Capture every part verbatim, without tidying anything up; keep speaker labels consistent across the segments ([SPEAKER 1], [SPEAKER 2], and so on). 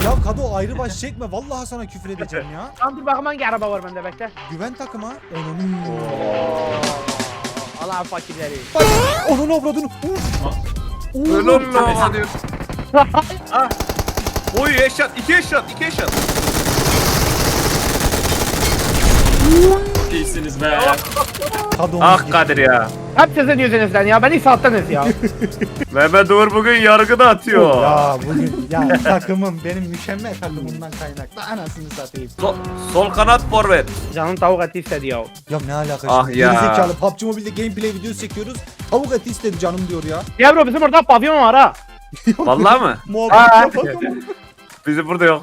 [SPEAKER 1] Ya Kado ayrı baş çekme. Vallahi sana küfür edeceğim ya.
[SPEAKER 2] Tamam dur bakayım hangi araba var bende bekle.
[SPEAKER 1] Güven takıma. Onun.
[SPEAKER 2] Allah fakirleri.
[SPEAKER 1] Bak onun avradını.
[SPEAKER 3] Ölüm lan hadi. Ah. Oy eşat, iki eşat, iki eşat.
[SPEAKER 4] İyisiniz be.
[SPEAKER 1] Kado'nun
[SPEAKER 3] Ah Kadir ya.
[SPEAKER 2] Hep sizin yüzünüzden ya beni sattınız ya.
[SPEAKER 3] Mehmet Uğur bugün yargı da atıyor.
[SPEAKER 1] Ya bugün ya takımım benim mükemmel takımımdan kaynaklı anasını satayım.
[SPEAKER 3] Sol, sol kanat forvet.
[SPEAKER 2] Canım tavuk eti istedi ya.
[SPEAKER 1] Ya ne alaka
[SPEAKER 3] Ah
[SPEAKER 1] şimdi?
[SPEAKER 3] ya.
[SPEAKER 1] Gerizekalı P U B G Mobile'de gameplay videosu çekiyoruz. Tavuk eti istedi canım diyor ya.
[SPEAKER 2] Ya bro bizim orada pavyon var ha.
[SPEAKER 3] Vallahi mı?
[SPEAKER 1] Muhabbet yapalım.
[SPEAKER 3] Bizim burada yok.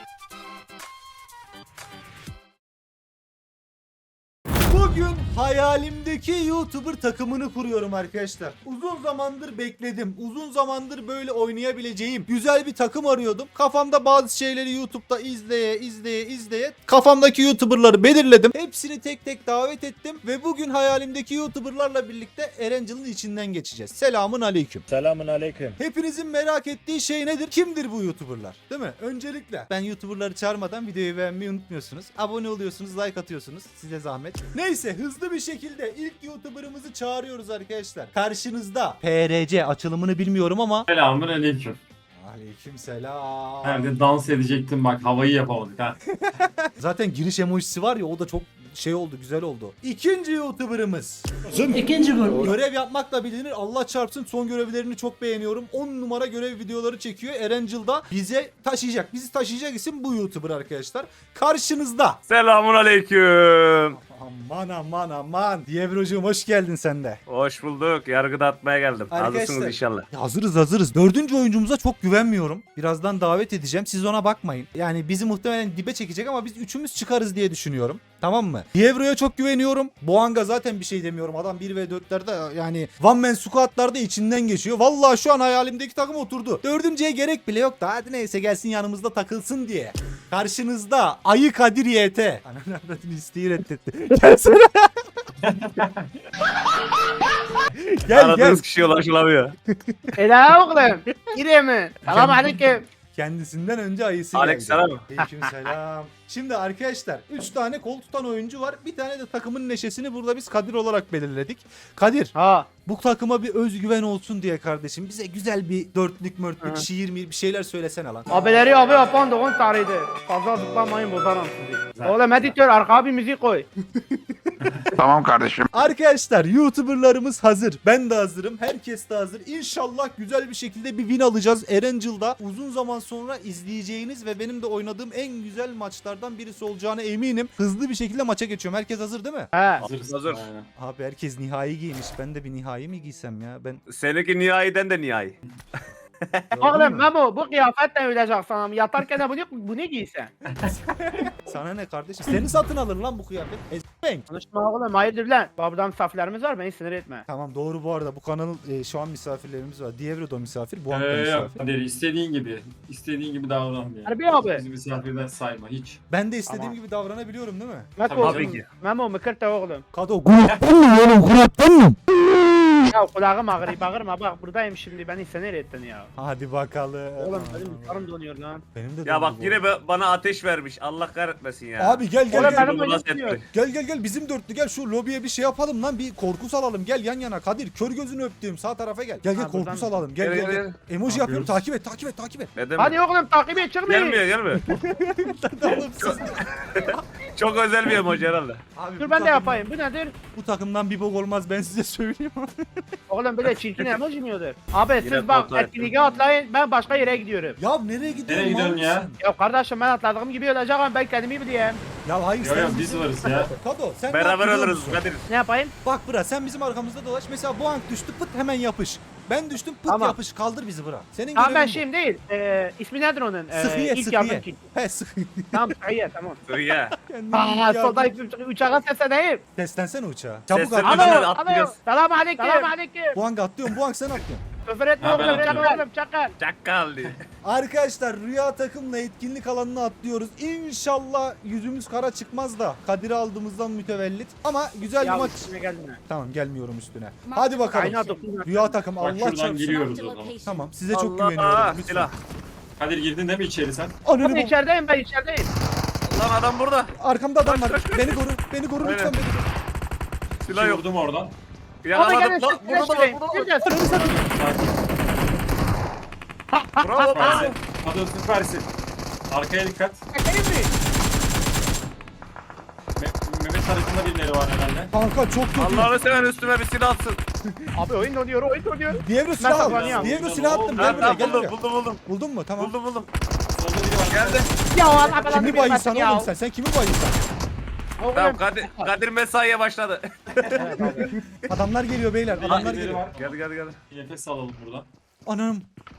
[SPEAKER 1] Bugün hayalimdeki YouTuber takımını kuruyorum arkadaşlar. Uzun zamandır bekledim. Uzun zamandır böyle oynayabileceğim güzel bir takım arıyordum. Kafamda bazı şeyleri YouTube'da izleye izleye izleye kafamdaki YouTuber'ları belirledim. Hepsini tek tek davet ettim ve bugün hayalimdeki YouTuber'larla birlikte Erangel'ın içinden geçeceğiz. Selamun aleyküm.
[SPEAKER 5] Selamun aleyküm.
[SPEAKER 1] Hepinizin merak ettiği şey nedir? Kimdir bu YouTuber'lar? Değil mi? Öncelikle ben YouTuber'ları çağırmadan videoyu beğenmeyi unutmuyorsunuz. Abone oluyorsunuz, like atıyorsunuz. Size zahmet. Neyse hızlı bir şekilde ilk YouTuber'ımızı çağırıyoruz arkadaşlar. Karşınızda P R C açılımını bilmiyorum ama
[SPEAKER 4] Selamun aleyküm.
[SPEAKER 1] aleyküm selam.
[SPEAKER 4] Nerede dans edecektim bak havayı yapamadık ha.
[SPEAKER 1] Zaten giriş emojisi var ya o da çok şey oldu, güzel oldu. İkinci YouTuber'ımız.
[SPEAKER 5] İkinci grup.
[SPEAKER 1] Görev yapmakla bilinir. Allah çarpsın son görevlerini çok beğeniyorum. on numara görev videoları çekiyor. Erangel'da bize taşıyacak. Bizi taşıyacak isim bu YouTuber arkadaşlar. Karşınızda.
[SPEAKER 3] Selamun aleyküm.
[SPEAKER 1] Aman aman aman. Dievrocuğum hoş geldin sen de.
[SPEAKER 3] Hoş bulduk. Yargı da atmaya geldim.
[SPEAKER 1] Arkadaşlar-
[SPEAKER 3] Hazırsınız inşallah.
[SPEAKER 1] Ya hazırız hazırız. Dördüncü oyuncumuza çok güvenmiyorum. Birazdan davet edeceğim. Siz ona bakmayın. Yani bizi muhtemelen dibe çekecek ama biz üçümüz çıkarız diye düşünüyorum. Tamam mı? Dievro'ya çok güveniyorum. Boğanga zaten bir şey demiyorum. Adam bir ve dörtlerde yani one man squat'larda içinden geçiyor. Vallahi şu an hayalimdeki takım oturdu. Dördüncüye gerek bile yok da hadi neyse gelsin yanımızda takılsın diye. Karşınızda Ayı Kadir Y T. Ananı avradını isteği reddetti. Gelsene. gel
[SPEAKER 3] Aradığınız
[SPEAKER 1] gel.
[SPEAKER 3] kişiye ulaşılamıyor.
[SPEAKER 2] Ela oğlum. Gireyim mi? Selam aleyküm.
[SPEAKER 1] Kendisinden önce ayısı
[SPEAKER 3] Aleykümselam.
[SPEAKER 1] geldi. Aleykümselam. Şimdi arkadaşlar üç tane kol tutan oyuncu var. Bir tane de takımın neşesini burada biz Kadir olarak belirledik. Kadir
[SPEAKER 2] Ha.
[SPEAKER 1] bu takıma bir özgüven olsun diye kardeşim bize güzel bir dörtlük mörtlük
[SPEAKER 2] Hı.
[SPEAKER 1] şiir mi bir şeyler söylesene lan.
[SPEAKER 2] Abileri abi yapan da on tarihti. Fazla zıplamayın bozarım sizi. Oğlum editör arkaya bir müzik koy.
[SPEAKER 6] Tamam kardeşim.
[SPEAKER 1] Arkadaşlar YouTuber'larımız hazır. Ben de hazırım. Herkes de hazır. İnşallah güzel bir şekilde bir win alacağız. Erangel'da uzun zaman sonra izleyeceğiniz ve benim de oynadığım en güzel maçlardan birisi olacağına eminim. Hızlı bir şekilde maça geçiyorum. Herkes hazır değil mi?
[SPEAKER 2] He.
[SPEAKER 4] Hazırız.
[SPEAKER 3] Hazır.
[SPEAKER 4] Aynen.
[SPEAKER 1] Abi herkes nihai giymiş. Ben de bir nihai mi giysem ya? Ben
[SPEAKER 3] Seninki nihayiden de nihai.
[SPEAKER 2] Oğlum Memo bu kıyafetle ölecek sana. Yatarken de bunu, bunu giysen.
[SPEAKER 1] sana ne kardeşim? Seni satın alır lan bu kıyafet. Ezbenk.
[SPEAKER 2] Konuşma oğlum hayırdır lan. Buradan misafirlerimiz var beni sinir etme.
[SPEAKER 1] Tamam doğru bu arada bu kanalın e, şu an misafirlerimiz var. Dievro da misafir, bu
[SPEAKER 4] Ee,
[SPEAKER 1] da
[SPEAKER 4] yok
[SPEAKER 1] misafir.
[SPEAKER 4] Kadir istediğin gibi. İstediğin gibi davran yani.
[SPEAKER 2] Harbi abi.
[SPEAKER 4] Bizi misafirden sayma hiç.
[SPEAKER 1] Ben de istediğim
[SPEAKER 2] Tamam.
[SPEAKER 1] gibi davranabiliyorum değil mi?
[SPEAKER 2] Memo,
[SPEAKER 3] Tabii ki.
[SPEAKER 2] Memo mıkırta oğlum.
[SPEAKER 1] Kado gruptan mı oğlum gruptan mı?
[SPEAKER 2] Ya kulağım ağrıyor bağırma bak buradayım şimdi beni sinir ettin ya.
[SPEAKER 1] Hadi bakalım.
[SPEAKER 2] Oğlum benim karım donuyor lan.
[SPEAKER 1] Benim de
[SPEAKER 3] Ya bak
[SPEAKER 1] dondu bu.
[SPEAKER 3] yine be- bana ateş vermiş. Allah kahretmesin ya.
[SPEAKER 1] Abi gel gel
[SPEAKER 2] Oğlum
[SPEAKER 1] gel.
[SPEAKER 2] benim
[SPEAKER 3] Bunu nasıl
[SPEAKER 2] öyle
[SPEAKER 3] etti?
[SPEAKER 1] Gel gel gel bizim dörtlü gel şu lobiye bir şey yapalım lan bir korku salalım gel yan yana Kadir kör gözünü öptüğüm sağ tarafa gel. Gel gel
[SPEAKER 2] Ha,
[SPEAKER 1] korku
[SPEAKER 2] buradan-
[SPEAKER 1] salalım gel
[SPEAKER 3] Gel,
[SPEAKER 1] gel
[SPEAKER 3] gel,
[SPEAKER 1] gel.
[SPEAKER 3] gel.
[SPEAKER 1] Emoji
[SPEAKER 4] Ne
[SPEAKER 1] yapıyorum
[SPEAKER 4] yapıyoruz?
[SPEAKER 1] takip et takip et takip et.
[SPEAKER 3] Ne demek?
[SPEAKER 2] Hadi oğlum takip et çıkmayın.
[SPEAKER 3] Gelmiyor gelmiyor.
[SPEAKER 1] Oğlum siz-
[SPEAKER 3] Çok özel bir emoji herhalde.
[SPEAKER 1] Abi,
[SPEAKER 2] Dur
[SPEAKER 1] bu
[SPEAKER 2] ben de
[SPEAKER 1] takım-
[SPEAKER 2] yapayım bu nedir?
[SPEAKER 1] Bu takımdan bir bok olmaz ben size söyleyeyim.
[SPEAKER 2] Oğlum böyle çirkin emoji mi yiyordur? Abi
[SPEAKER 3] Yine
[SPEAKER 2] siz bak
[SPEAKER 3] kontrol ettim.
[SPEAKER 2] etkinliğe atlayın ben başka yere gidiyorum.
[SPEAKER 1] Ya nereye gidiyorsun?
[SPEAKER 4] Nereye gidiyorsun
[SPEAKER 1] mal
[SPEAKER 4] ya?
[SPEAKER 1] mısın?
[SPEAKER 2] Ya kardeşim ben atladığım gibi olacağım ben kendimi bileyim.
[SPEAKER 1] Ya hayır
[SPEAKER 4] Yok
[SPEAKER 1] sen
[SPEAKER 4] yok
[SPEAKER 1] bizim-
[SPEAKER 4] biz varız ya.
[SPEAKER 1] Kado sen ne
[SPEAKER 3] Beraber
[SPEAKER 1] yapıyorsun
[SPEAKER 3] oluruz
[SPEAKER 1] musun?
[SPEAKER 3] Kadir.
[SPEAKER 2] Ne yapayım?
[SPEAKER 1] Bak bıra sen bizim arkamızda dolaş. Mesela bu ank düştü pıt hemen yapış. Ben düştüm pıt
[SPEAKER 2] Tamam.
[SPEAKER 1] yapış kaldır bizi bıra. Senin
[SPEAKER 2] Tamam ben
[SPEAKER 1] görevin bu.
[SPEAKER 2] şeyim değil. Ee, ismi nedir onun? Ee,
[SPEAKER 1] Sıhhiye
[SPEAKER 2] ilk yardım
[SPEAKER 1] sıhhiye.
[SPEAKER 2] kiti.
[SPEAKER 1] He sıhhiye.
[SPEAKER 2] Tamam sıhhiye tamam.
[SPEAKER 3] Dur ya.
[SPEAKER 1] Kendini
[SPEAKER 2] Aa
[SPEAKER 1] yardım-
[SPEAKER 2] solda uçağa sesleneyim.
[SPEAKER 1] Seslensene uçağa. Çabuk
[SPEAKER 3] Seslen-
[SPEAKER 1] at.
[SPEAKER 3] Alo.
[SPEAKER 2] Alo
[SPEAKER 3] atlayacağız.
[SPEAKER 2] alo. Selam aleyküm. Selam aleyküm.
[SPEAKER 1] Bu ank atlıyorum bu ank sen atlıyorsun.
[SPEAKER 2] Küfür etme
[SPEAKER 4] Ha, ben
[SPEAKER 2] oğlum
[SPEAKER 4] atıyorum.
[SPEAKER 2] çakal oğlum çakal.
[SPEAKER 3] Çakal diye.
[SPEAKER 1] Arkadaşlar rüya takımla etkinlik alanına atlıyoruz. İnşallah yüzümüz kara çıkmaz da Kadir'i aldığımızdan mütevellit. Ama güzel bir
[SPEAKER 2] Ya
[SPEAKER 1] maç.
[SPEAKER 2] üstüne geldin ha.
[SPEAKER 1] Tamam gelmiyorum üstüne. Hadi bakalım.
[SPEAKER 2] Kaynağı dokun.
[SPEAKER 1] Rüya takım
[SPEAKER 4] Bak
[SPEAKER 1] Allah
[SPEAKER 4] şuradan
[SPEAKER 1] çarpsın.
[SPEAKER 4] giriyoruz o zaman.
[SPEAKER 1] Tamam size çok
[SPEAKER 3] Allah
[SPEAKER 1] güveniyorum. Lütfen.
[SPEAKER 3] silah.
[SPEAKER 4] Kadir girdin değil mi içeri sen?
[SPEAKER 1] Ananı
[SPEAKER 2] Ben
[SPEAKER 1] bom-
[SPEAKER 2] içerideyim ben içerideyim.
[SPEAKER 3] Lan adam burada.
[SPEAKER 1] Arkamda adam var.
[SPEAKER 3] Kaç, kaç, kaç.
[SPEAKER 1] Beni koru. Beni koru lütfen
[SPEAKER 3] Aynen.
[SPEAKER 1] beni koru.
[SPEAKER 3] Silah yok.
[SPEAKER 4] Vurdum oradan.
[SPEAKER 2] Abi
[SPEAKER 3] Yakaladım
[SPEAKER 2] gelin
[SPEAKER 3] lan.
[SPEAKER 2] siz
[SPEAKER 3] Burada da var.
[SPEAKER 2] flash
[SPEAKER 3] Burada da var.
[SPEAKER 2] gireceğiz.
[SPEAKER 1] Ananı satayım.
[SPEAKER 3] Bravo bravo.
[SPEAKER 4] Süpersin. Hadi süpersin. Arkaya dikkat.
[SPEAKER 2] Çekeyim mi?
[SPEAKER 4] Me- Mehmet tarafında birileri var herhalde.
[SPEAKER 1] Kanka çok kötü.
[SPEAKER 3] Allah'ını seven üstüme bir silah atsın.
[SPEAKER 2] Abi oyun donuyor oyun donuyor.
[SPEAKER 1] Dievro silah al.
[SPEAKER 2] saklanıyorum.
[SPEAKER 1] Dievro silah attım.
[SPEAKER 3] Ha,
[SPEAKER 1] Gel buraya
[SPEAKER 3] ben
[SPEAKER 1] gel
[SPEAKER 3] buldum
[SPEAKER 1] buraya.
[SPEAKER 3] buldum buldum.
[SPEAKER 1] Buldun mu? Tamam.
[SPEAKER 3] Buldum buldum.
[SPEAKER 4] Solda biri var.
[SPEAKER 3] Geldi.
[SPEAKER 2] Ya Allah belanı
[SPEAKER 1] Kimi bayılsan
[SPEAKER 2] vermesin ya.
[SPEAKER 1] oğlum sen? Sen kimi bayılsan?
[SPEAKER 2] Oğlum,
[SPEAKER 3] Tamam Kadir, Kadir mesaiye başladı.
[SPEAKER 2] evet abi.
[SPEAKER 1] Adamlar geliyor beyler. Adamlar
[SPEAKER 4] Birileri
[SPEAKER 1] geliyor.
[SPEAKER 4] var.
[SPEAKER 3] Geldi geldi geldi.
[SPEAKER 4] Bir nefes alalım buradan.
[SPEAKER 1] Anam.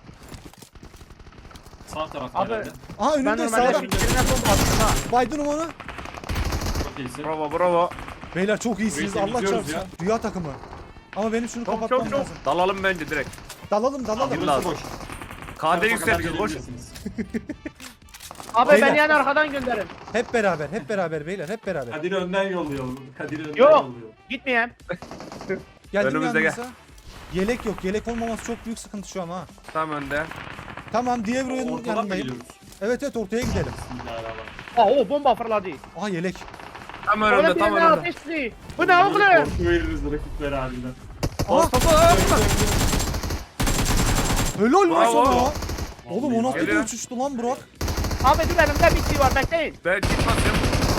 [SPEAKER 4] Sağ tarafta
[SPEAKER 2] Abi,
[SPEAKER 4] herhalde.
[SPEAKER 1] Aha
[SPEAKER 2] Ben
[SPEAKER 1] önünde
[SPEAKER 2] normalde
[SPEAKER 1] sağda.
[SPEAKER 2] birine bomba attım ha.
[SPEAKER 1] Baydın onu.
[SPEAKER 4] Çok iyisin.
[SPEAKER 3] Bravo bravo.
[SPEAKER 1] Beyler çok iyisiniz.
[SPEAKER 4] Burayı
[SPEAKER 1] Allah
[SPEAKER 4] temizliyoruz
[SPEAKER 1] çarpsın. Rüya takımı. Ama benim şunu
[SPEAKER 3] Çok
[SPEAKER 1] kapatmam
[SPEAKER 3] çok çok.
[SPEAKER 1] lazım.
[SPEAKER 3] Dalalım bence direkt.
[SPEAKER 1] Dalalım dalalım.
[SPEAKER 3] Abi,
[SPEAKER 4] Burası
[SPEAKER 3] lazım.
[SPEAKER 4] boş.
[SPEAKER 3] K D
[SPEAKER 4] Tarafa
[SPEAKER 3] yükseldik
[SPEAKER 4] kadar
[SPEAKER 3] koş.
[SPEAKER 4] gelebilirsiniz.
[SPEAKER 2] Abi
[SPEAKER 1] Beyler.
[SPEAKER 2] beni yani arkadan gönderin.
[SPEAKER 1] Hep beraber, hep beraber beyler, hep beraber.
[SPEAKER 4] Kadir'i önden yolluyor. Kadir'i önden
[SPEAKER 2] Yok.
[SPEAKER 4] yolluyor.
[SPEAKER 2] Gitmeyeyim.
[SPEAKER 1] Geldim
[SPEAKER 3] Önümüzde
[SPEAKER 1] yanınıza. Yelek yok. Yelek olmaması çok büyük sıkıntı şu an ha.
[SPEAKER 3] Tam önde.
[SPEAKER 1] Tamam, Dievro'nun
[SPEAKER 4] Ortadan mı
[SPEAKER 1] yanındayım.
[SPEAKER 4] geliyoruz?
[SPEAKER 1] Evet evet ortaya gidelim.
[SPEAKER 4] Bismillahirrahmanirrahim.
[SPEAKER 2] Aa o bomba fırladı.
[SPEAKER 1] Aha yelek.
[SPEAKER 3] Tam
[SPEAKER 2] Oğlum
[SPEAKER 3] önümde tam
[SPEAKER 2] birine
[SPEAKER 3] önümde.
[SPEAKER 2] ateşli. Bu ne oğlum?
[SPEAKER 4] Korku veririz rakiplere halinden.
[SPEAKER 1] Aha
[SPEAKER 3] Mustafa.
[SPEAKER 1] helal lan
[SPEAKER 3] Bravo.
[SPEAKER 1] sana. Oğlum o nasıl bir
[SPEAKER 3] Geliyor.
[SPEAKER 1] uçuştu lan Burak?
[SPEAKER 2] Abi dur elimde bir şey var bekleyin.
[SPEAKER 3] Ben gitmezsem.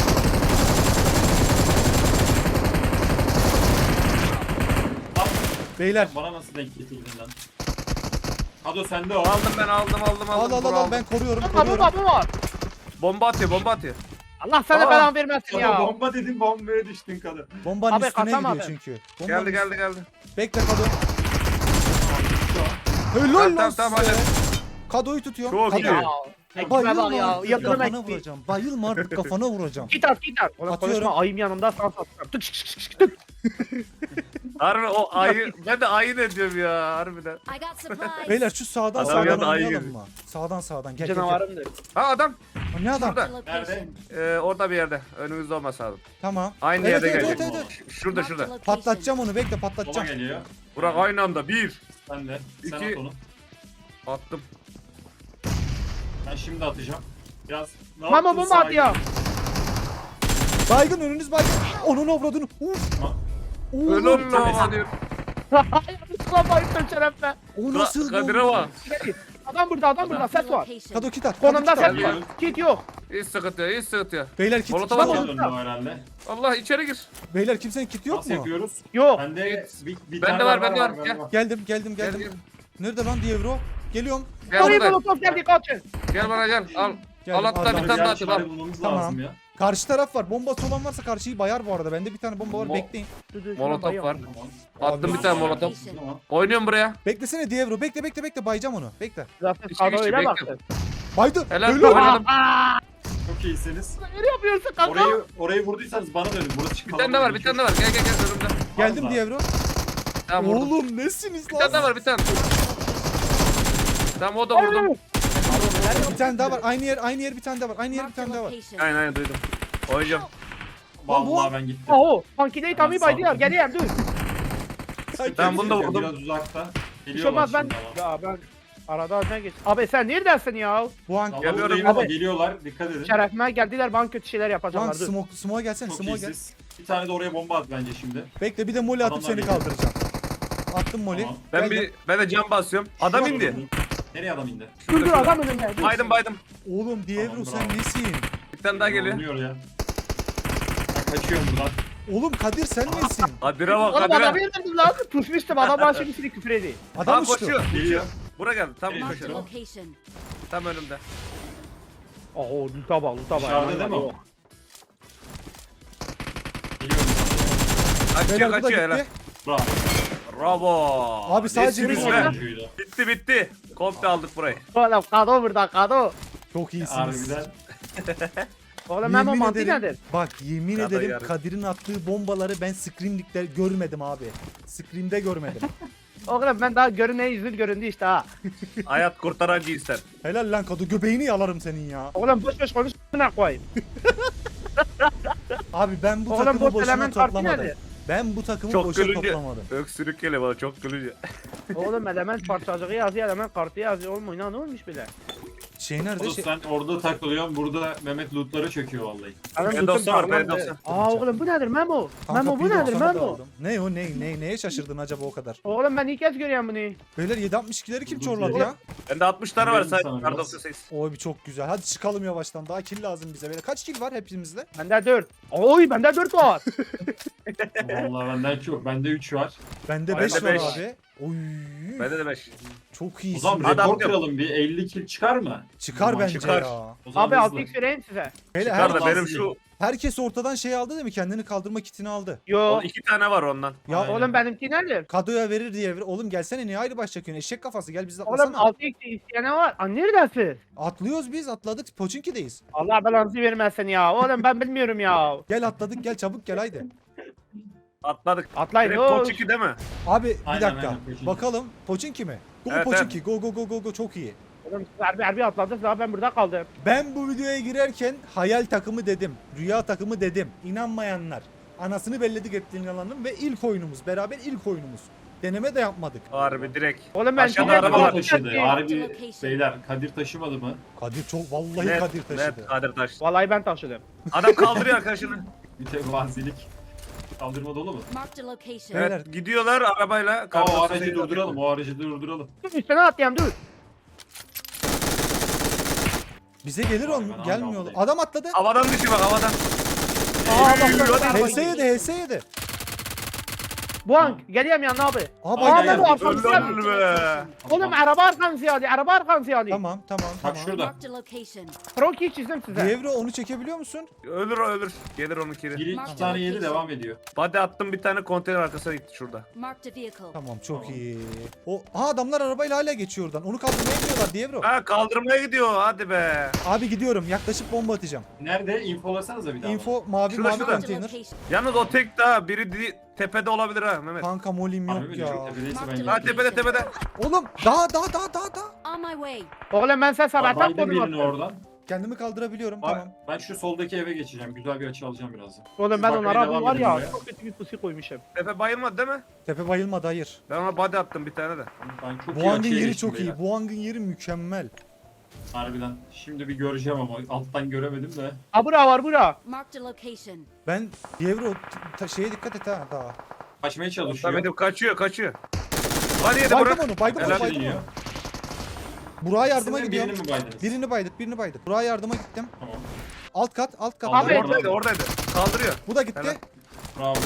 [SPEAKER 1] Beyler
[SPEAKER 4] Bana nasıl denk getirdin lan? Hado sende o.
[SPEAKER 3] Aldım ben aldım aldım
[SPEAKER 1] al
[SPEAKER 3] aldım.
[SPEAKER 1] al al,
[SPEAKER 3] Bravo.
[SPEAKER 1] al ben koruyorum
[SPEAKER 2] Bomba
[SPEAKER 1] koruyorum.
[SPEAKER 2] bomba bomba.
[SPEAKER 3] Bomba atıyor bomba atıyor.
[SPEAKER 2] Allah sana
[SPEAKER 3] Aa.
[SPEAKER 2] belanı vermesin
[SPEAKER 4] Sana
[SPEAKER 2] ya.
[SPEAKER 4] bomba dedim bombaya düştün kadın.
[SPEAKER 1] Bombanın
[SPEAKER 2] Abi,
[SPEAKER 1] üstüne
[SPEAKER 2] kaçamadım.
[SPEAKER 1] gidiyor çünkü. Bombanın
[SPEAKER 3] Geldi geldi geldi.
[SPEAKER 1] Bekle Kado. Helal
[SPEAKER 3] Tamam,
[SPEAKER 1] lan
[SPEAKER 3] tamam,
[SPEAKER 1] size.
[SPEAKER 3] hadi.
[SPEAKER 1] Kado'yu tutuyorum.
[SPEAKER 3] Çok
[SPEAKER 1] Kado.
[SPEAKER 3] iyi.
[SPEAKER 2] Ya. Ekime
[SPEAKER 1] Bayılma
[SPEAKER 2] bak ya.
[SPEAKER 1] artık
[SPEAKER 2] Yatırım
[SPEAKER 1] kafana
[SPEAKER 2] ekmeği.
[SPEAKER 1] vuracağım. Bayılma artık kafana vuracağım.
[SPEAKER 2] Git at git at. Oğlum
[SPEAKER 1] Atıyorum.
[SPEAKER 2] konuşma ayım yanımda sağ sağ sağ. Tık şık şık şık tık.
[SPEAKER 3] Harbi o ayı ben de ayı ne diyorum ya harbiden.
[SPEAKER 7] I got supplies.
[SPEAKER 1] Beyler şu sağdan
[SPEAKER 3] Adam
[SPEAKER 1] sağdan
[SPEAKER 3] yanında ayı
[SPEAKER 1] oynayalım
[SPEAKER 3] gibi.
[SPEAKER 1] mı? Sağdan sağdan gel gel gel.
[SPEAKER 2] Canavarımdır.
[SPEAKER 3] Ha adam
[SPEAKER 1] O ne adam?
[SPEAKER 3] şurada.
[SPEAKER 4] Nerede?
[SPEAKER 3] Ee, orada bir yerde. Önümüzde olmasa lazım.
[SPEAKER 1] Tamam.
[SPEAKER 3] Aynı
[SPEAKER 1] Evet,
[SPEAKER 3] yerde
[SPEAKER 1] evet,
[SPEAKER 3] gelecek.
[SPEAKER 1] evet, evet.
[SPEAKER 3] Ş- Şurada şurada.
[SPEAKER 1] Patlatacağım onu bekle
[SPEAKER 4] Sola
[SPEAKER 1] patlatacağım.
[SPEAKER 4] geliyor.
[SPEAKER 3] Burak aynı anda bir.
[SPEAKER 4] Sen de. Sen
[SPEAKER 3] İki.
[SPEAKER 4] at onu.
[SPEAKER 3] Attım.
[SPEAKER 4] Ben şimdi atacağım. Biraz ne
[SPEAKER 2] Mama
[SPEAKER 4] yaptın
[SPEAKER 2] bomba
[SPEAKER 4] sağa
[SPEAKER 2] atıyor.
[SPEAKER 1] Baygın önünüz baygın. Onun avradını. Uf.
[SPEAKER 4] Ha.
[SPEAKER 1] Oo,
[SPEAKER 3] Öyle olma diyor.
[SPEAKER 2] Ulan bayıldım şerefle.
[SPEAKER 1] o nasıl
[SPEAKER 3] Kadir'e
[SPEAKER 1] oldu?
[SPEAKER 3] bak.
[SPEAKER 2] Adam burada adam burada ses var.
[SPEAKER 1] Kado kit at. Kado
[SPEAKER 2] Konumda
[SPEAKER 1] kit at.
[SPEAKER 2] ses var. Kit yok.
[SPEAKER 3] Hiç sıkıntı yok, hiç sıkıntı yok.
[SPEAKER 1] Beyler kit.
[SPEAKER 3] Molotov
[SPEAKER 1] Tamam.
[SPEAKER 3] atıyor.
[SPEAKER 4] Sola döndü o herhalde.
[SPEAKER 3] Allah içeri gir.
[SPEAKER 1] Beyler kimsenin kiti yok
[SPEAKER 4] Nasıl
[SPEAKER 1] mu?
[SPEAKER 4] yapıyoruz?
[SPEAKER 2] Yok.
[SPEAKER 4] Bende bir, bir
[SPEAKER 3] Bende
[SPEAKER 4] tane
[SPEAKER 3] var,
[SPEAKER 4] daha
[SPEAKER 3] bende var.
[SPEAKER 4] galiba.
[SPEAKER 1] Geldim geldim
[SPEAKER 3] Gel
[SPEAKER 1] geldim.
[SPEAKER 3] gel.
[SPEAKER 1] Nerede lan Dievro? Geliyorum.
[SPEAKER 3] Gel
[SPEAKER 2] Orayı
[SPEAKER 3] buradayım.
[SPEAKER 2] molotof geldi kaçın.
[SPEAKER 3] Gel bana gel. Al.
[SPEAKER 1] Geldim,
[SPEAKER 3] Al hatta
[SPEAKER 1] aldım.
[SPEAKER 3] bir
[SPEAKER 4] Bir
[SPEAKER 3] tane daha
[SPEAKER 4] yer
[SPEAKER 3] atayım al.
[SPEAKER 4] çare bulmamız
[SPEAKER 1] Tamam.
[SPEAKER 4] lazım ya.
[SPEAKER 1] Karşı taraf var. Bombası olan varsa karşıyı bayar bu arada. Bende bir tane bomba var.
[SPEAKER 4] Mo-
[SPEAKER 1] Bekleyin.
[SPEAKER 2] Dur, dur, şuna
[SPEAKER 3] Molotof
[SPEAKER 2] bayıl.
[SPEAKER 3] var.
[SPEAKER 4] Tamam.
[SPEAKER 3] Attım
[SPEAKER 1] Abi,
[SPEAKER 3] bir tane molotof.
[SPEAKER 4] Tamam.
[SPEAKER 3] Oynuyorum buraya.
[SPEAKER 1] Beklesene Dievro. Bekle bekle bekle. Bayacağım onu. Bekle.
[SPEAKER 2] Zaten
[SPEAKER 3] İçi
[SPEAKER 2] kadro
[SPEAKER 3] geçti,
[SPEAKER 2] öyle
[SPEAKER 3] bekliyorum.
[SPEAKER 2] baktı.
[SPEAKER 1] Baydı.
[SPEAKER 3] Helal
[SPEAKER 1] Helal.
[SPEAKER 3] oynadım.
[SPEAKER 4] Çok iyisiniz.
[SPEAKER 2] Ne yapıyorsun kanka?
[SPEAKER 4] Orayı orayı vurduysanız bana dönün. Burası
[SPEAKER 3] Bir tane daha var, bir tane daha var. Gel gel gel önümde.
[SPEAKER 1] Geldim
[SPEAKER 4] Allah.
[SPEAKER 1] Dievro.
[SPEAKER 3] Tamam vurdum.
[SPEAKER 1] Oğlum nesiniz
[SPEAKER 3] Bir
[SPEAKER 1] lan?
[SPEAKER 3] tane daha var, bir tane. Tamam o da vurdum.
[SPEAKER 1] Bir tane daha var. Aynı yer aynı yer bir tane daha var. Aynı yer bir tane daha var.
[SPEAKER 3] Aynen aynen duydum. Oynayacağım.
[SPEAKER 4] Vallahi ben gittim.
[SPEAKER 2] Aho. Pankideyi tamir
[SPEAKER 4] Ben
[SPEAKER 2] baydılar.
[SPEAKER 4] sağ-
[SPEAKER 2] Geleyim dur.
[SPEAKER 3] Ben bunu da vurdum.
[SPEAKER 4] Biraz uzakta.
[SPEAKER 2] Bir şey
[SPEAKER 4] Geliyorlar
[SPEAKER 2] olmaz ben.
[SPEAKER 4] şimdi ama.
[SPEAKER 2] Ya ben. Arada öne geç. Abi sen neredesin ya?
[SPEAKER 1] Bu an
[SPEAKER 4] Tamam,
[SPEAKER 3] Geliyorum.
[SPEAKER 4] buradayım ama
[SPEAKER 2] Abi.
[SPEAKER 4] geliyorlar. Dikkat edin.
[SPEAKER 2] Şerefime geldiler bana kötü şeyler
[SPEAKER 1] bu an
[SPEAKER 2] yapacaklar. Dur.
[SPEAKER 1] smoke smoke'a gelsene.
[SPEAKER 4] Çok
[SPEAKER 1] Smoke'a gel.
[SPEAKER 4] iyisiz. Bir tane de oraya bomba at bence şimdi.
[SPEAKER 1] Bekle bir de moli atıp
[SPEAKER 4] Adamlar
[SPEAKER 1] seni
[SPEAKER 4] geliyor.
[SPEAKER 1] kaldıracağım. Attım moli.
[SPEAKER 4] Tamam.
[SPEAKER 3] Ben
[SPEAKER 1] Geldim.
[SPEAKER 3] bir ben de cam basıyorum. Adam indi.
[SPEAKER 4] Nereye adam indi?
[SPEAKER 2] Dur dur adam önümde. Dur.
[SPEAKER 3] Baydım baydım.
[SPEAKER 1] Oğlum Dievro
[SPEAKER 4] Tamam,
[SPEAKER 1] sen
[SPEAKER 4] bravo.
[SPEAKER 1] nesin?
[SPEAKER 3] Bir tane daha geliyor.
[SPEAKER 4] Oynuyor ya. Ben kaçıyorum buradan.
[SPEAKER 1] Oğlum Kadir sen nesin?
[SPEAKER 3] Kadir'e bak
[SPEAKER 2] Oğlum adamı
[SPEAKER 3] Kadir'e.
[SPEAKER 2] indirdim lan. Tuşmuştum adam bana şimdi seni küfür ediyor.
[SPEAKER 1] Adam
[SPEAKER 3] Aa
[SPEAKER 1] uçtu.
[SPEAKER 3] koşuyor.
[SPEAKER 4] Geliyor.
[SPEAKER 3] Bura geldi. Tam
[SPEAKER 4] Geliyor.
[SPEAKER 3] koşuyor.
[SPEAKER 7] Location.
[SPEAKER 3] Tam önümde.
[SPEAKER 2] Aho luta bak luta bak.
[SPEAKER 4] Dışarıda değil mi o? Geliyorum.
[SPEAKER 3] Kaçıyor
[SPEAKER 1] Beyler bu da
[SPEAKER 3] kaçıyor
[SPEAKER 1] gitti.
[SPEAKER 3] hele.
[SPEAKER 4] Bravo.
[SPEAKER 3] Bravo.
[SPEAKER 1] Abi sadece
[SPEAKER 3] Nesiniz
[SPEAKER 1] bir-
[SPEAKER 3] be?
[SPEAKER 4] Oyuncuydu.
[SPEAKER 3] Bitti bitti. Komple aldık burayı.
[SPEAKER 2] Oğlum kado burada kado.
[SPEAKER 1] Çok iyisiniz.
[SPEAKER 4] Harbiden.
[SPEAKER 2] Oğlum Memo
[SPEAKER 1] Yemin
[SPEAKER 2] mantığı
[SPEAKER 1] ederim,
[SPEAKER 2] nedir?
[SPEAKER 1] bak yemin
[SPEAKER 3] Kadir
[SPEAKER 1] ederim
[SPEAKER 3] yarı.
[SPEAKER 1] Kadir'in attığı bombaları ben Scream'likte görmedim abi. Scream'de görmedim.
[SPEAKER 2] Oğlum ben daha görüneye yüzün göründü işte ha.
[SPEAKER 3] Hayat kurtaran cinsler.
[SPEAKER 1] Helal lan Kado göbeğini yalarım senin ya.
[SPEAKER 2] Oğlum boş boş konuş ne koyayım.
[SPEAKER 1] Abi ben bu
[SPEAKER 2] Oğlum
[SPEAKER 1] takımı
[SPEAKER 2] boş
[SPEAKER 1] boşuna
[SPEAKER 2] element farkı
[SPEAKER 1] toplamadım.
[SPEAKER 2] nedir?
[SPEAKER 1] Ben bu takımı
[SPEAKER 3] Çok
[SPEAKER 1] boşuna
[SPEAKER 3] gülünce.
[SPEAKER 1] toplamadım.
[SPEAKER 3] Öksürük geliyor bana çok gülünce.
[SPEAKER 2] Oğlum element parçacığı yazıyor element kartı yazıyor oğlum oyna ne olmuş bile.
[SPEAKER 1] Şey nerede?
[SPEAKER 4] Kado
[SPEAKER 1] Şey...
[SPEAKER 4] sen orada takılıyorsun. Burada Mehmet lootlara çöküyor vallahi.
[SPEAKER 2] Benim
[SPEAKER 3] P
[SPEAKER 2] lootum
[SPEAKER 3] doksan var, P
[SPEAKER 2] sağlamdı.
[SPEAKER 3] doksan.
[SPEAKER 2] Aa oğlum bu nedir Memo?
[SPEAKER 1] Kanka,
[SPEAKER 2] Memo bu
[SPEAKER 1] P
[SPEAKER 2] nedir
[SPEAKER 1] doksanı da
[SPEAKER 2] Memo?
[SPEAKER 1] aldım. Ne o ne ne neye şaşırdın acaba o kadar?
[SPEAKER 2] Oğlum ben ilk kez görüyorum bunu.
[SPEAKER 1] Beyler yedi altmış ikileri kim
[SPEAKER 4] Bu
[SPEAKER 1] çorladı
[SPEAKER 4] güzel.
[SPEAKER 1] ya?
[SPEAKER 3] Bende altmış tane var
[SPEAKER 4] Verelim
[SPEAKER 3] sadece.
[SPEAKER 4] sana
[SPEAKER 3] Kar
[SPEAKER 4] biraz.
[SPEAKER 3] doksan sekiz.
[SPEAKER 1] Oy bir çok güzel. Hadi çıkalım yavaştan. Daha kill lazım bize. Böyle kaç kill var hepimizde?
[SPEAKER 2] Bende dört. Oy bende dört var.
[SPEAKER 4] Vallahi benden çok. Bende üç var.
[SPEAKER 1] Bende
[SPEAKER 3] Bende
[SPEAKER 1] beş var
[SPEAKER 3] beş.
[SPEAKER 1] abi. Oy.
[SPEAKER 3] Bende de beş.
[SPEAKER 1] Çok
[SPEAKER 4] O
[SPEAKER 1] iyisin.
[SPEAKER 4] zaman
[SPEAKER 3] Hadi
[SPEAKER 4] rekor
[SPEAKER 3] abi.
[SPEAKER 4] kıralım bir. elli kill çıkar mı?
[SPEAKER 1] Çıkar
[SPEAKER 4] Aman
[SPEAKER 1] bence
[SPEAKER 3] çıkar.
[SPEAKER 1] ya.
[SPEAKER 4] O zaman
[SPEAKER 2] Abi
[SPEAKER 4] hızlı.
[SPEAKER 2] altı x vereyim size.
[SPEAKER 1] Beyler
[SPEAKER 3] Çıkar
[SPEAKER 1] her,
[SPEAKER 3] da benim şu
[SPEAKER 1] herkes ortadan şey aldı değil mi? Kendini kaldırma kitini aldı.
[SPEAKER 2] Yo.
[SPEAKER 3] iki tane var ondan.
[SPEAKER 1] Ya
[SPEAKER 4] Aynen.
[SPEAKER 2] Oğlum benimki nedir?
[SPEAKER 1] Kadoya verir diye. ver- Oğlum gelsene niye ayrı baş çekiyorsun? Eşek kafası gel biz de
[SPEAKER 2] Oğlum
[SPEAKER 1] atlasana.
[SPEAKER 2] altı x isteyene var. Aa neredesin?
[SPEAKER 1] Atlıyoruz biz atladık. Poçinki'deyiz.
[SPEAKER 2] Allah belanızı vermesin ya. Oğlum ben bilmiyorum ya.
[SPEAKER 1] Gel atladık gel çabuk gel haydi.
[SPEAKER 3] Atladık.
[SPEAKER 2] Atlayın.
[SPEAKER 3] Direkt
[SPEAKER 2] oğlum.
[SPEAKER 3] Poçiki değil mi?
[SPEAKER 1] Abi bir
[SPEAKER 4] Aynen,
[SPEAKER 1] dakika.
[SPEAKER 4] aynen, Poçinki.
[SPEAKER 1] Bakalım Poçinki mi? Go
[SPEAKER 3] Evet,
[SPEAKER 1] Poçinki. Go go go go go çok iyi.
[SPEAKER 2] Oğlum siz harbi harbi atladınız daha ben burada kaldım.
[SPEAKER 1] Ben bu videoya girerken hayal takımı dedim. Rüya takımı dedim. İnanmayanlar. Anasını belledik ettiğin yalanın ve ilk oyunumuz. Beraber ilk oyunumuz. Deneme de yapmadık.
[SPEAKER 3] Harbi direkt.
[SPEAKER 2] Oğlum ben
[SPEAKER 3] Aşağıda
[SPEAKER 2] direkt
[SPEAKER 3] araba var.
[SPEAKER 4] Kadir taşıdı.
[SPEAKER 2] atladım.
[SPEAKER 4] Harbi beyler Kadir taşımadı mı?
[SPEAKER 1] Kadir çok vallahi
[SPEAKER 3] Net,
[SPEAKER 1] Kadir taşıdı.
[SPEAKER 3] net Kadir taşıdı.
[SPEAKER 2] Vallahi ben taşıdım.
[SPEAKER 3] Adam kaldırıyor arkadaşını.
[SPEAKER 4] Mütevazilik. Kaldırma dolu mu?
[SPEAKER 7] Marked a location.
[SPEAKER 1] Beyler.
[SPEAKER 3] Evet gidiyorlar arabayla.
[SPEAKER 4] Aa,
[SPEAKER 3] Kar
[SPEAKER 4] o
[SPEAKER 3] doksan
[SPEAKER 4] aracı
[SPEAKER 3] sekiz
[SPEAKER 4] durduralım. O aracı durduralım.
[SPEAKER 2] Dur üstüne atlayayım dur.
[SPEAKER 1] Bize gelir
[SPEAKER 4] Vay,
[SPEAKER 1] on
[SPEAKER 4] ben
[SPEAKER 1] gelmiyor.
[SPEAKER 4] anlamadım.
[SPEAKER 1] Adam atladı.
[SPEAKER 3] Havadan düşüyor bak havadan.
[SPEAKER 2] Aa bak bak bak.
[SPEAKER 1] H S yedi H S yedi.
[SPEAKER 2] Bu an geliyorum yanına abi.
[SPEAKER 1] Aha
[SPEAKER 4] Ay,
[SPEAKER 1] bak.
[SPEAKER 4] ay,
[SPEAKER 2] Aa
[SPEAKER 4] ay.
[SPEAKER 2] bu arkamızı
[SPEAKER 3] Öldü,
[SPEAKER 2] geldi.
[SPEAKER 3] öldü be.
[SPEAKER 2] Oğlum araba arkamızı geldi. Araba arkamızı geldi.
[SPEAKER 1] Tamam tamam
[SPEAKER 4] Bak
[SPEAKER 1] tamam.
[SPEAKER 4] şurada.
[SPEAKER 7] Marked a location.
[SPEAKER 2] Kroki çizdim size.
[SPEAKER 1] Dievro onu çekebiliyor musun?
[SPEAKER 3] Ölür o ölür. Gelir onun kiri.
[SPEAKER 4] Biri iki tane yedi devam ediyor.
[SPEAKER 3] Body attım bir tane konteyner arkasına gitti şurada.
[SPEAKER 7] Marked a vehicle.
[SPEAKER 1] Tamam çok
[SPEAKER 4] Tamam.
[SPEAKER 1] iyi. O Aa, adamlar arabayla hala geçiyor oradan. Onu kaldırmaya gidiyorlar Dievro.
[SPEAKER 3] Ha kaldırmaya gidiyor hadi be.
[SPEAKER 1] Abi gidiyorum. Yaklaşıp bomba atacağım.
[SPEAKER 4] Nerede? Infolasanıza bir daha.
[SPEAKER 1] Info mavi
[SPEAKER 3] Şurada,
[SPEAKER 1] mavi
[SPEAKER 3] şurada.
[SPEAKER 7] Marked a
[SPEAKER 1] konteyner.
[SPEAKER 7] location.
[SPEAKER 3] Yalnız o tek daha biri di- tepede olabilir ha Mehmet.
[SPEAKER 1] Kanka molim yok
[SPEAKER 4] Harbi mi?
[SPEAKER 1] ya.
[SPEAKER 4] Çok tepedeyse ben
[SPEAKER 3] Ha
[SPEAKER 4] gideyim.
[SPEAKER 3] tepede tepede.
[SPEAKER 1] Oğlum daha daha daha daha daha.
[SPEAKER 7] On my way.
[SPEAKER 2] Oğlum ben sen sabahtan
[SPEAKER 4] Baydım
[SPEAKER 2] konum
[SPEAKER 4] birini
[SPEAKER 2] attım.
[SPEAKER 4] oradan.
[SPEAKER 1] Kendimi kaldırabiliyorum
[SPEAKER 4] Bak,
[SPEAKER 1] tamam.
[SPEAKER 4] ben şu soldaki eve geçeceğim. Güzel bir açı alacağım birazdan.
[SPEAKER 2] Oğlum ben
[SPEAKER 4] Bakmaya
[SPEAKER 2] onlara
[SPEAKER 4] devam
[SPEAKER 2] var
[SPEAKER 4] edin
[SPEAKER 2] ya
[SPEAKER 4] buraya.
[SPEAKER 2] çok kötü bir pusu koymuşum.
[SPEAKER 3] Tepe bayılmadı değil mi?
[SPEAKER 1] Tepe bayılmadı hayır.
[SPEAKER 3] Ben ona body attım bir tane de.
[SPEAKER 4] Ben çok
[SPEAKER 1] Bu
[SPEAKER 4] iyi
[SPEAKER 1] hangın
[SPEAKER 4] açıya
[SPEAKER 1] yeri
[SPEAKER 4] geçtim
[SPEAKER 1] çok
[SPEAKER 4] beyler.
[SPEAKER 1] iyi. Bu hangın yeri mükemmel.
[SPEAKER 4] Harbiden. Şimdi bir göreceğim ama alttan göremedim de.
[SPEAKER 2] Ha bura var bura.
[SPEAKER 7] Marked a location.
[SPEAKER 1] Ben Dievro ta- şeye dikkat et ha daha.
[SPEAKER 4] Kaçmaya çalışıyor.
[SPEAKER 3] Samet'im kaçıyor kaçıyor. Hadi yedi
[SPEAKER 1] Baydım
[SPEAKER 3] bırak.
[SPEAKER 1] onu, baydım onu,
[SPEAKER 3] Helal
[SPEAKER 1] baydım
[SPEAKER 4] iniyor.
[SPEAKER 1] onu. Burak'a yardıma
[SPEAKER 4] Sizin
[SPEAKER 1] gidiyorum.
[SPEAKER 4] birini mi baydınız?
[SPEAKER 1] Birini baydık, birini baydık. Burak'a yardıma gittim.
[SPEAKER 4] Tamam.
[SPEAKER 1] Alt kat, alt kat.
[SPEAKER 4] Abi,
[SPEAKER 2] Abi
[SPEAKER 3] Oradaydı oradaydı. Kaldırıyor.
[SPEAKER 1] Bu da gitti.
[SPEAKER 3] Helal.
[SPEAKER 4] Bravo.